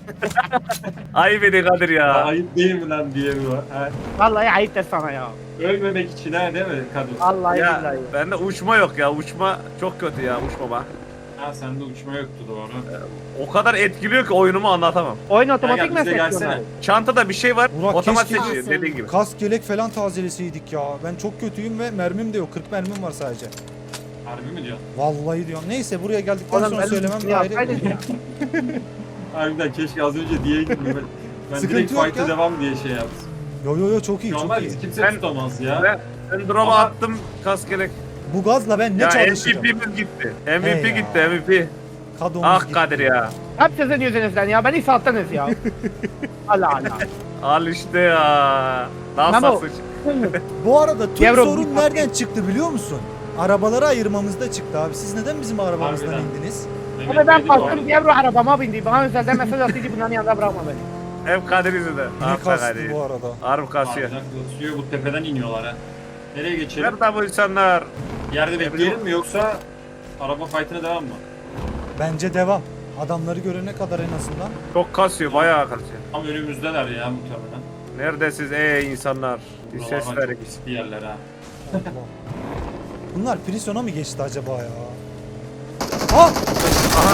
[SPEAKER 3] Ayıp edin Kadir ya.
[SPEAKER 4] Ayıp değil mi lan Diego? Ha?
[SPEAKER 2] Vallahi ayıp de sana ya.
[SPEAKER 4] Ölmemek için ha değil mi kadın?
[SPEAKER 2] Vallahi
[SPEAKER 3] Ya
[SPEAKER 2] billahi.
[SPEAKER 3] bende uçma yok ya. Uçma çok kötü ya uçmama.
[SPEAKER 4] Ha sende uçma yoktu doğru.
[SPEAKER 3] O kadar etkiliyor ki oyunumu anlatamam.
[SPEAKER 2] Oyun
[SPEAKER 4] Gel
[SPEAKER 2] otomatik
[SPEAKER 4] gel bize
[SPEAKER 2] mi
[SPEAKER 4] gelsene.
[SPEAKER 2] seçiyorlar?
[SPEAKER 3] Çantada bir şey var.
[SPEAKER 1] Burak,
[SPEAKER 3] otomatik
[SPEAKER 1] keşke-
[SPEAKER 3] seçiyor dediğin gibi.
[SPEAKER 1] Kask yelek falan tazeleseydik ya. Ben çok kötüyüm ve mermim de yok. kırk mermim var sadece.
[SPEAKER 4] Harbi mi diyorsun?
[SPEAKER 1] Vallahi diyorum. Neyse buraya geldikten
[SPEAKER 2] Oğlum
[SPEAKER 1] sonra
[SPEAKER 2] ben
[SPEAKER 1] söylemem
[SPEAKER 2] ya,
[SPEAKER 1] ayrı.
[SPEAKER 2] haydi ya.
[SPEAKER 4] Harbiden keşke az önce diye gittim ben. Ben
[SPEAKER 1] Sıkıntı
[SPEAKER 4] direkt
[SPEAKER 1] yok
[SPEAKER 4] fight'a
[SPEAKER 1] ya.
[SPEAKER 4] devam diye şey yaptım.
[SPEAKER 1] Yo yo yo çok iyi
[SPEAKER 4] Şu an
[SPEAKER 1] çok
[SPEAKER 4] var
[SPEAKER 1] iyi.
[SPEAKER 4] bizi kimse
[SPEAKER 3] Ben-
[SPEAKER 4] tutamaz ya.
[SPEAKER 3] Ben, ben drop'a
[SPEAKER 4] Ama-
[SPEAKER 3] attım kaskelek.
[SPEAKER 1] Bu gazla ben ne
[SPEAKER 3] Ya
[SPEAKER 1] çalışırım?
[SPEAKER 3] M V P'miz gitti. M V
[SPEAKER 1] Hey
[SPEAKER 3] P
[SPEAKER 1] ya.
[SPEAKER 3] gitti M V P.
[SPEAKER 1] Kadomuz
[SPEAKER 3] Ah
[SPEAKER 1] gitti.
[SPEAKER 3] Kadir ya.
[SPEAKER 2] Hep sizin yüzünüzden ya. Beni sattınız ya. Allah Allah.
[SPEAKER 3] Al işte ya. Nasıl
[SPEAKER 2] Memo.
[SPEAKER 3] sıç?
[SPEAKER 1] Bu arada tüm
[SPEAKER 2] Yavrum,
[SPEAKER 1] sorun
[SPEAKER 2] bir-
[SPEAKER 1] nereden çıktı biliyor musun? Arabaları ayırmamızda çıktı abi. Siz neden bizim arabamızdan
[SPEAKER 4] Harbiden.
[SPEAKER 1] indiniz?
[SPEAKER 4] Mehmet
[SPEAKER 2] Abi ben
[SPEAKER 4] dedi bu arada.
[SPEAKER 2] bastım Diablo arabama bindi. Bana özelden mesaj attıydı bunların yanında bırakma beni.
[SPEAKER 3] Hep Kadir yüzünden.
[SPEAKER 1] Ne
[SPEAKER 3] Ah be
[SPEAKER 1] kastı
[SPEAKER 3] Kadir.
[SPEAKER 1] bu arada?
[SPEAKER 3] Harbi kasıyor.
[SPEAKER 4] Harbiden kasıyor, bu tepeden iniyorlar ha. Nereye geçelim?
[SPEAKER 3] Nerede bu insanlar?
[SPEAKER 4] Yerde bekleyelim mi yoksa araba fight'ına devam mı?
[SPEAKER 1] Bence devam. Adamları görene kadar en azından.
[SPEAKER 3] Çok kasıyor, bayağı kasıyor.
[SPEAKER 4] Tam önümüzdeler ya muhtemelen.
[SPEAKER 3] Neredesiniz ey insanlar? Bir ses
[SPEAKER 4] Buralardan
[SPEAKER 3] verin.
[SPEAKER 4] çok riskli yerler ha.
[SPEAKER 1] Allah. Bunlar Prison'a mı geçti acaba ya? Ha!
[SPEAKER 3] Aha.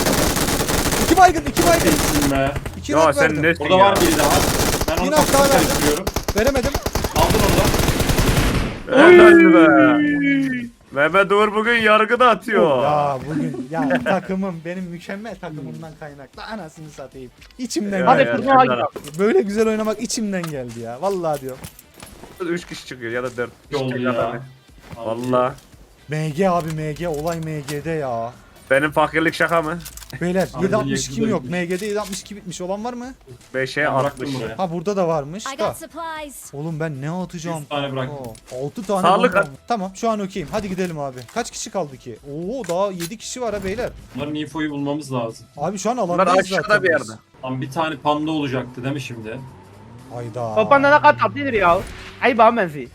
[SPEAKER 1] İki baygın, iki baygın.
[SPEAKER 4] Geçsin be.
[SPEAKER 1] İki
[SPEAKER 3] Ya
[SPEAKER 1] nak
[SPEAKER 3] sen
[SPEAKER 1] verdim.
[SPEAKER 3] nesin
[SPEAKER 4] Burada
[SPEAKER 3] ya?
[SPEAKER 4] var biri daha. Ben onu
[SPEAKER 1] Bir nak daha
[SPEAKER 4] kafasına
[SPEAKER 1] verdim.
[SPEAKER 4] karıştırıyorum.
[SPEAKER 1] Veremedim.
[SPEAKER 4] Aldın onu.
[SPEAKER 3] Helal be. Mehmet Uğur bugün yargıda atıyor.
[SPEAKER 1] Ya bugün ya takımım benim mükemmel takımımdan kaynaklı anasını satayım. İçimden
[SPEAKER 3] Ya,
[SPEAKER 2] Hadi
[SPEAKER 1] geldi.
[SPEAKER 3] ya,
[SPEAKER 2] turnuva
[SPEAKER 3] ya.
[SPEAKER 2] gidelim.
[SPEAKER 1] Böyle güzel oynamak içimden geldi ya. Vallahi diyorum.
[SPEAKER 3] Üç kişi çıkıyor ya da dört.
[SPEAKER 4] Ne oldu
[SPEAKER 3] İşte
[SPEAKER 4] ya?
[SPEAKER 3] kadar. Valla.
[SPEAKER 1] M G abi M G olay M G'de ya.
[SPEAKER 3] Benim fakirlik şaka mı?
[SPEAKER 1] Beyler
[SPEAKER 4] Abi
[SPEAKER 1] yedi altmış iki mi
[SPEAKER 4] yakında
[SPEAKER 1] yok?
[SPEAKER 4] bitmiş.
[SPEAKER 1] M G'de yedi altmış iki bitmiş olan var mı?
[SPEAKER 3] beşe
[SPEAKER 4] Ben bıraktım
[SPEAKER 3] altmış.
[SPEAKER 4] buraya.
[SPEAKER 1] Ha burada da varmış
[SPEAKER 7] I
[SPEAKER 1] da.
[SPEAKER 7] got supplies.
[SPEAKER 1] Oğlum ben ne atacağım?
[SPEAKER 4] yüz tane bıraktım.
[SPEAKER 1] altı tane
[SPEAKER 3] Sağlık
[SPEAKER 1] bomba
[SPEAKER 3] at.
[SPEAKER 1] var. Tamam şu an okeyim. Hadi gidelim abi. Kaç kişi kaldı ki? Oo daha yedi kişi var ha beyler.
[SPEAKER 4] Bunların infoyu bulmamız lazım.
[SPEAKER 1] Abi şu an
[SPEAKER 3] Bunlar
[SPEAKER 1] alandayız
[SPEAKER 3] aşağıda
[SPEAKER 1] zaten
[SPEAKER 3] bir
[SPEAKER 1] biz.
[SPEAKER 3] yerde.
[SPEAKER 4] Tam bir tane panda olacaktı değil mi şimdi?
[SPEAKER 1] Hayda.
[SPEAKER 2] Topanda ne kadar tatlıdır ya. Ay bana benziyor.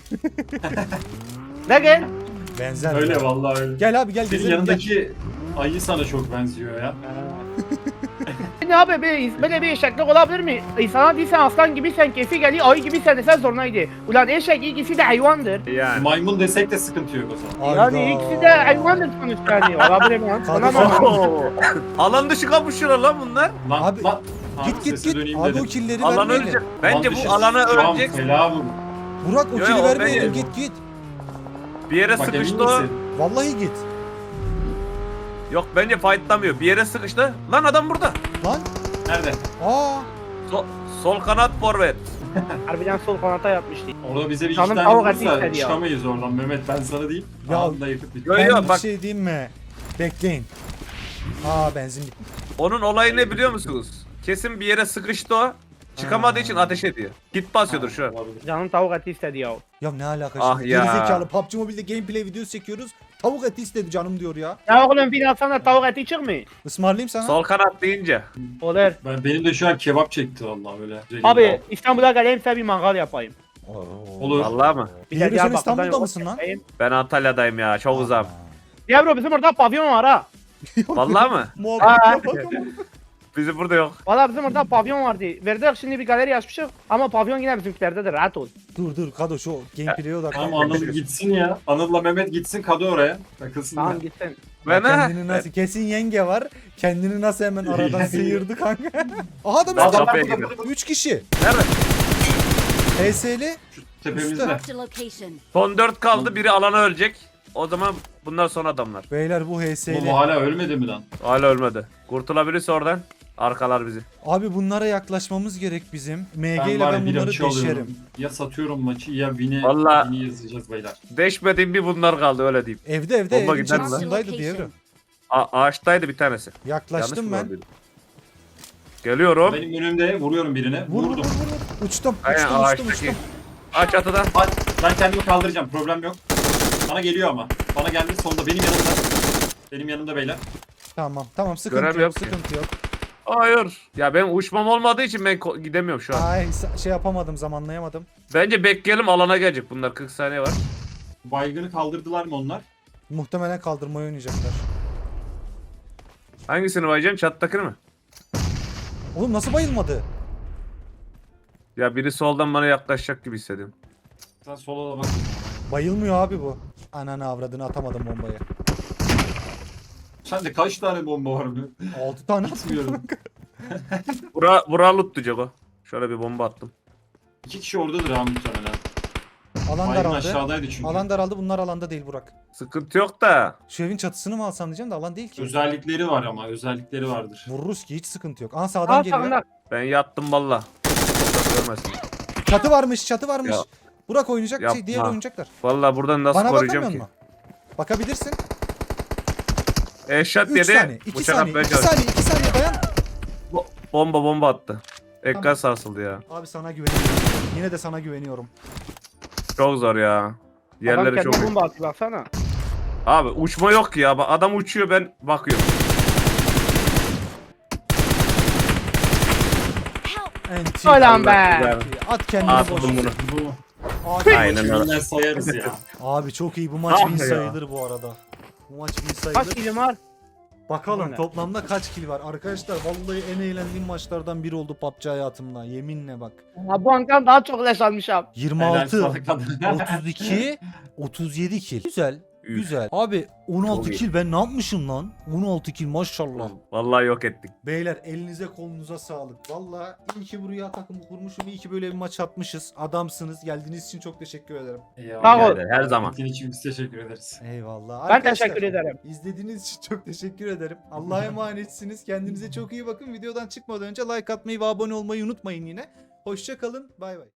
[SPEAKER 2] Ne gel?
[SPEAKER 1] Benzer.
[SPEAKER 4] Öyle
[SPEAKER 1] ya.
[SPEAKER 4] vallahi öyle.
[SPEAKER 1] Gel abi gel
[SPEAKER 4] Senin
[SPEAKER 1] gezelim. Gel.
[SPEAKER 4] yanındaki ayı sana çok benziyor ya.
[SPEAKER 2] Ne abi bir, böyle bir eşeklik olabilir mi? İnsana değilsen aslan gibisin, keyfi geliyor, ayı gibisin desen zorunaydı. Ulan eşek ikisi de hayvandır.
[SPEAKER 3] Yani.
[SPEAKER 4] Maymun desek de sıkıntı yok o zaman.
[SPEAKER 1] Hayda.
[SPEAKER 2] Yani ikisi de hayvandır sonuçta yani. Olabilir mi? lan?
[SPEAKER 1] Hadi
[SPEAKER 2] Olamaz.
[SPEAKER 3] Oo. Alan dışı kapışıyorlar lan bunlar.
[SPEAKER 4] Lan,
[SPEAKER 1] Abi,
[SPEAKER 4] lan.
[SPEAKER 1] Git
[SPEAKER 4] Abi
[SPEAKER 1] git
[SPEAKER 4] sese
[SPEAKER 1] git.
[SPEAKER 4] döneyim
[SPEAKER 1] Abi
[SPEAKER 4] dedim.
[SPEAKER 1] o killeri
[SPEAKER 3] Alan
[SPEAKER 1] vermeyelim.
[SPEAKER 3] ölecek. Bence
[SPEAKER 4] Lan
[SPEAKER 3] bu
[SPEAKER 4] dışı
[SPEAKER 3] alana
[SPEAKER 4] şu an
[SPEAKER 3] ölecek.
[SPEAKER 4] fela bu.
[SPEAKER 1] Burak o
[SPEAKER 3] Yo,
[SPEAKER 1] kili
[SPEAKER 3] yo,
[SPEAKER 1] vermeyelim.
[SPEAKER 3] ben-
[SPEAKER 1] Git git.
[SPEAKER 3] Bir yere
[SPEAKER 4] Bak emin
[SPEAKER 3] sıkıştı o.
[SPEAKER 4] misin?
[SPEAKER 1] Vallahi git.
[SPEAKER 3] Yok bence fightlamıyor. Bir yere sıkıştı. Lan adam burada.
[SPEAKER 1] Lan.
[SPEAKER 4] Nerede?
[SPEAKER 1] Aa.
[SPEAKER 3] Sol, sol kanat forvet.
[SPEAKER 2] Harbiden sol kanata yatmıştı.
[SPEAKER 4] Orada bize bir iki
[SPEAKER 2] Canım
[SPEAKER 4] tane
[SPEAKER 2] tavuk
[SPEAKER 4] vurursa
[SPEAKER 2] eti istedi ya.
[SPEAKER 4] çıkamayız oradan Mehmet, ben sana diyeyim.
[SPEAKER 1] Ya-
[SPEAKER 4] Anında yakıp bitti.
[SPEAKER 3] Yo,
[SPEAKER 1] Ben
[SPEAKER 3] yo,
[SPEAKER 1] bir
[SPEAKER 3] bak
[SPEAKER 1] şey diyeyim mi? Bekleyin. Aa benzin bitmiş.
[SPEAKER 3] onun olayı ne biliyor musunuz? Kesin bir yere sıkıştı o. Çıkamadığı için ateş ediyor. Git basıyordur şu an.
[SPEAKER 4] Olabilir.
[SPEAKER 2] Canım tavuk eti istedi ya.
[SPEAKER 1] Ya ne alaka
[SPEAKER 3] Ah
[SPEAKER 1] şimdi?
[SPEAKER 3] ya.
[SPEAKER 1] Gerizekalı P U B G Mobile'de gameplay videosu çekiyoruz. Tavuk eti istedi canım diyor ya.
[SPEAKER 2] Ya oğlum bir atsana tavuk eti çıkmıyor.
[SPEAKER 1] Ismarlayayım sana.
[SPEAKER 3] Sol kanat deyince.
[SPEAKER 2] Olur.
[SPEAKER 4] Ben, benim de şu an kebap çekti vallahi öyle.
[SPEAKER 2] Abi İstanbul'a geleyim size bir mangal yapayım.
[SPEAKER 4] Olur.
[SPEAKER 3] Vallahi mı?
[SPEAKER 2] Bir
[SPEAKER 1] Diğeri sen
[SPEAKER 2] Diyarbakır'dan
[SPEAKER 1] İstanbul'da
[SPEAKER 2] yola
[SPEAKER 1] mısın lan?
[SPEAKER 2] çıkayım.
[SPEAKER 3] Ben Antalya'dayım ya. Çok uzağım.
[SPEAKER 2] Ya bro bizim orada pavyon var ha.
[SPEAKER 3] Vallahi mı?
[SPEAKER 1] Muhabbete bak ama.
[SPEAKER 3] Bizim burada yok.
[SPEAKER 2] Valla bizim orada pavyon vardı. Verdik şimdi bir galeri açmışız ama pavyon yine bizimkilerdedir rahat ol.
[SPEAKER 1] Dur dur Kado şu gameplay'e odaklan.
[SPEAKER 4] Tamam Anıl gitsin ya. Anıl'la Mehmet gitsin, Kadı oraya. Takılsınlar.
[SPEAKER 2] Tamam gitsin.
[SPEAKER 3] Ben ha.
[SPEAKER 1] Kendini nasıl kesin yenge var. Kendini nasıl hemen aradan sıyırdı kanka. Aha da
[SPEAKER 3] Ben
[SPEAKER 1] biz
[SPEAKER 3] kapıya gidiyorum.
[SPEAKER 1] üç kişi.
[SPEAKER 3] Nerede?
[SPEAKER 1] H S'li.
[SPEAKER 4] Tepemizde.
[SPEAKER 7] Marked a location.
[SPEAKER 3] Son dört kaldı. Biri alana ölecek. O zaman bunlar son adamlar.
[SPEAKER 1] Beyler bu H
[SPEAKER 4] Bu
[SPEAKER 1] S'li.
[SPEAKER 4] hala ölmedi mi lan?
[SPEAKER 3] Hala ölmedi. Kurtulabilirse oradan arkalar bizi.
[SPEAKER 1] Abi bunlara yaklaşmamız gerek bizim. M G
[SPEAKER 4] Ben
[SPEAKER 1] ile
[SPEAKER 4] var ya
[SPEAKER 1] ben
[SPEAKER 4] bir
[SPEAKER 1] bunları
[SPEAKER 4] açı alıyorum.
[SPEAKER 1] deşerim.
[SPEAKER 4] Ya satıyorum maçı ya Win'i
[SPEAKER 3] Vallahi-
[SPEAKER 4] Win'i yazacağız beyler.
[SPEAKER 3] Deşmediğim bir bunlar kaldı öyle diyeyim.
[SPEAKER 1] Evde evde
[SPEAKER 3] Bomba
[SPEAKER 1] evin
[SPEAKER 3] gider mi lan?
[SPEAKER 1] çatısındaydı diyebilirim.
[SPEAKER 3] A- ağaçtaydı bir tanesi.
[SPEAKER 1] Yaklaştım
[SPEAKER 3] Yanlış mı
[SPEAKER 1] ben.
[SPEAKER 3] gördüm? Geliyorum.
[SPEAKER 4] Benim önümde vuruyorum birine.
[SPEAKER 1] Vur vur vur
[SPEAKER 4] Vurdum.
[SPEAKER 1] vur. Uçtum
[SPEAKER 3] Aynen
[SPEAKER 1] uçtum uçtum
[SPEAKER 3] ağaçtaki.
[SPEAKER 1] uçtum.
[SPEAKER 3] Aç atıda.
[SPEAKER 4] Hadi, ben kendimi kaldıracağım, problem yok. Bana geliyor ama. Bana geldi sonunda, benim yanımda. Benim yanımda beyler.
[SPEAKER 1] Tamam tamam sıkıntı
[SPEAKER 3] Görev
[SPEAKER 1] yok
[SPEAKER 3] yok ki.
[SPEAKER 1] sıkıntı yok.
[SPEAKER 3] Hayır. Ya ben uçmam olmadığı için ben ko- gidemiyorum şu an.
[SPEAKER 1] Ay sa- şey yapamadım zamanlayamadım.
[SPEAKER 3] Bence bekleyelim alana gelecek bunlar. kırk saniye var.
[SPEAKER 4] Baygını kaldırdılar mı onlar?
[SPEAKER 1] Muhtemelen kaldırmayı oynayacaklar.
[SPEAKER 3] Hangisini bayacaksın? Çattakini mi?
[SPEAKER 1] Oğlum nasıl bayılmadı?
[SPEAKER 3] Ya biri soldan bana yaklaşacak gibi hissediyorum.
[SPEAKER 4] Sen sola da bak.
[SPEAKER 1] Bayılmıyor abi bu. Ananı avradını atamadım bombayı.
[SPEAKER 4] Sen de kaç tane bomba var mı?
[SPEAKER 1] altı tane
[SPEAKER 4] Atmıyorum.
[SPEAKER 3] Bura, bura loot diyecek o. Şöyle bir bomba attım.
[SPEAKER 4] İki kişi oradadır ha muhtemelen.
[SPEAKER 1] Alan
[SPEAKER 4] Baygın
[SPEAKER 1] daraldı.
[SPEAKER 4] aşağıdaydı çünkü.
[SPEAKER 1] Alan daraldı bunlar alanda değil Burak.
[SPEAKER 3] Sıkıntı yok da.
[SPEAKER 1] Şu evin çatısını mı alsam diyeceğim de alan değil ki.
[SPEAKER 4] Özellikleri var ama, özellikleri vardır.
[SPEAKER 1] Vururuz ki hiç sıkıntı yok. Aa sağdan
[SPEAKER 2] Al
[SPEAKER 1] geliyor.
[SPEAKER 2] sağında.
[SPEAKER 3] Ben yattım valla. Orada görmesin.
[SPEAKER 1] Çatı varmış çatı varmış.
[SPEAKER 3] Ya.
[SPEAKER 1] Burak oynayacak şey
[SPEAKER 3] Yapma.
[SPEAKER 1] diğer oynayacaklar.
[SPEAKER 3] Valla buradan nasıl
[SPEAKER 1] Bana
[SPEAKER 3] koruyacağım
[SPEAKER 1] bakamıyor
[SPEAKER 3] ki?
[SPEAKER 1] musun? Bakabilirsin.
[SPEAKER 3] Eşat
[SPEAKER 1] üç
[SPEAKER 3] yedi.
[SPEAKER 1] saniye, iki
[SPEAKER 3] Bıçak
[SPEAKER 1] saniye,
[SPEAKER 3] atmaya
[SPEAKER 1] iki
[SPEAKER 3] çalıştı.
[SPEAKER 1] saniye, iki saniye dayan.
[SPEAKER 3] Bomba bomba attı. Ekran
[SPEAKER 1] Tamam.
[SPEAKER 3] sarsıldı ya.
[SPEAKER 1] Abi sana güveniyorum. Yine de sana güveniyorum.
[SPEAKER 3] Çok zor ya.
[SPEAKER 2] Adam
[SPEAKER 3] Yerleri çok
[SPEAKER 2] kendine
[SPEAKER 3] iyi.
[SPEAKER 2] bomba atıyor baksana.
[SPEAKER 3] Abi uçma yok ki ya. Bak, adam uçuyor ben bakıyorum.
[SPEAKER 1] Enti.
[SPEAKER 2] Ulan be.
[SPEAKER 3] Güzel.
[SPEAKER 1] At kendini
[SPEAKER 3] Attım
[SPEAKER 1] boş.
[SPEAKER 3] bunu.
[SPEAKER 4] Bu
[SPEAKER 1] Abi,
[SPEAKER 3] Aynen öyle.
[SPEAKER 4] Aynen sayarız ya.
[SPEAKER 1] abi çok iyi bu maç
[SPEAKER 3] Ah
[SPEAKER 1] win
[SPEAKER 3] ya.
[SPEAKER 1] sayılır bu arada. Bu maç win
[SPEAKER 2] Kaç
[SPEAKER 1] sayılır.
[SPEAKER 2] kilim var?
[SPEAKER 1] Bakalım
[SPEAKER 2] Aynen.
[SPEAKER 1] toplamda kaç kill var. Arkadaşlar vallahi en eğlendiğim maçlardan biri oldu P U B G hayatımda. Yeminle bak.
[SPEAKER 2] Ha, bu ankam daha çok leş almışım.
[SPEAKER 1] yirmi
[SPEAKER 4] Helal
[SPEAKER 1] altı,
[SPEAKER 4] sana kadın.
[SPEAKER 1] otuz iki, otuz yedi kill. Güzel.
[SPEAKER 3] Üf.
[SPEAKER 1] Güzel. Abi on altı
[SPEAKER 3] Çok iyi.
[SPEAKER 1] kill ben ne yapmışım lan? on altı kill maşallah.
[SPEAKER 3] Vallahi yok ettik.
[SPEAKER 1] Beyler elinize kolunuza sağlık. Vallahi iyi ki buraya takımı kurmuşum. İyi ki böyle bir maç atmışız. Adamsınız. Geldiğiniz için çok teşekkür ederim.
[SPEAKER 4] Eyvallah.
[SPEAKER 2] Sağ ol.
[SPEAKER 3] Her zaman.
[SPEAKER 4] Senin için biz teşekkür ederiz.
[SPEAKER 1] Eyvallah.
[SPEAKER 2] Ben
[SPEAKER 1] Arkadaşlar,
[SPEAKER 2] teşekkür ederim.
[SPEAKER 1] İzlediğiniz için çok teşekkür ederim. Allah'a emanetsiniz. Kendinize çok iyi bakın. Videodan çıkmadan önce like atmayı ve abone olmayı unutmayın yine. Hoşça kalın. Bay bay.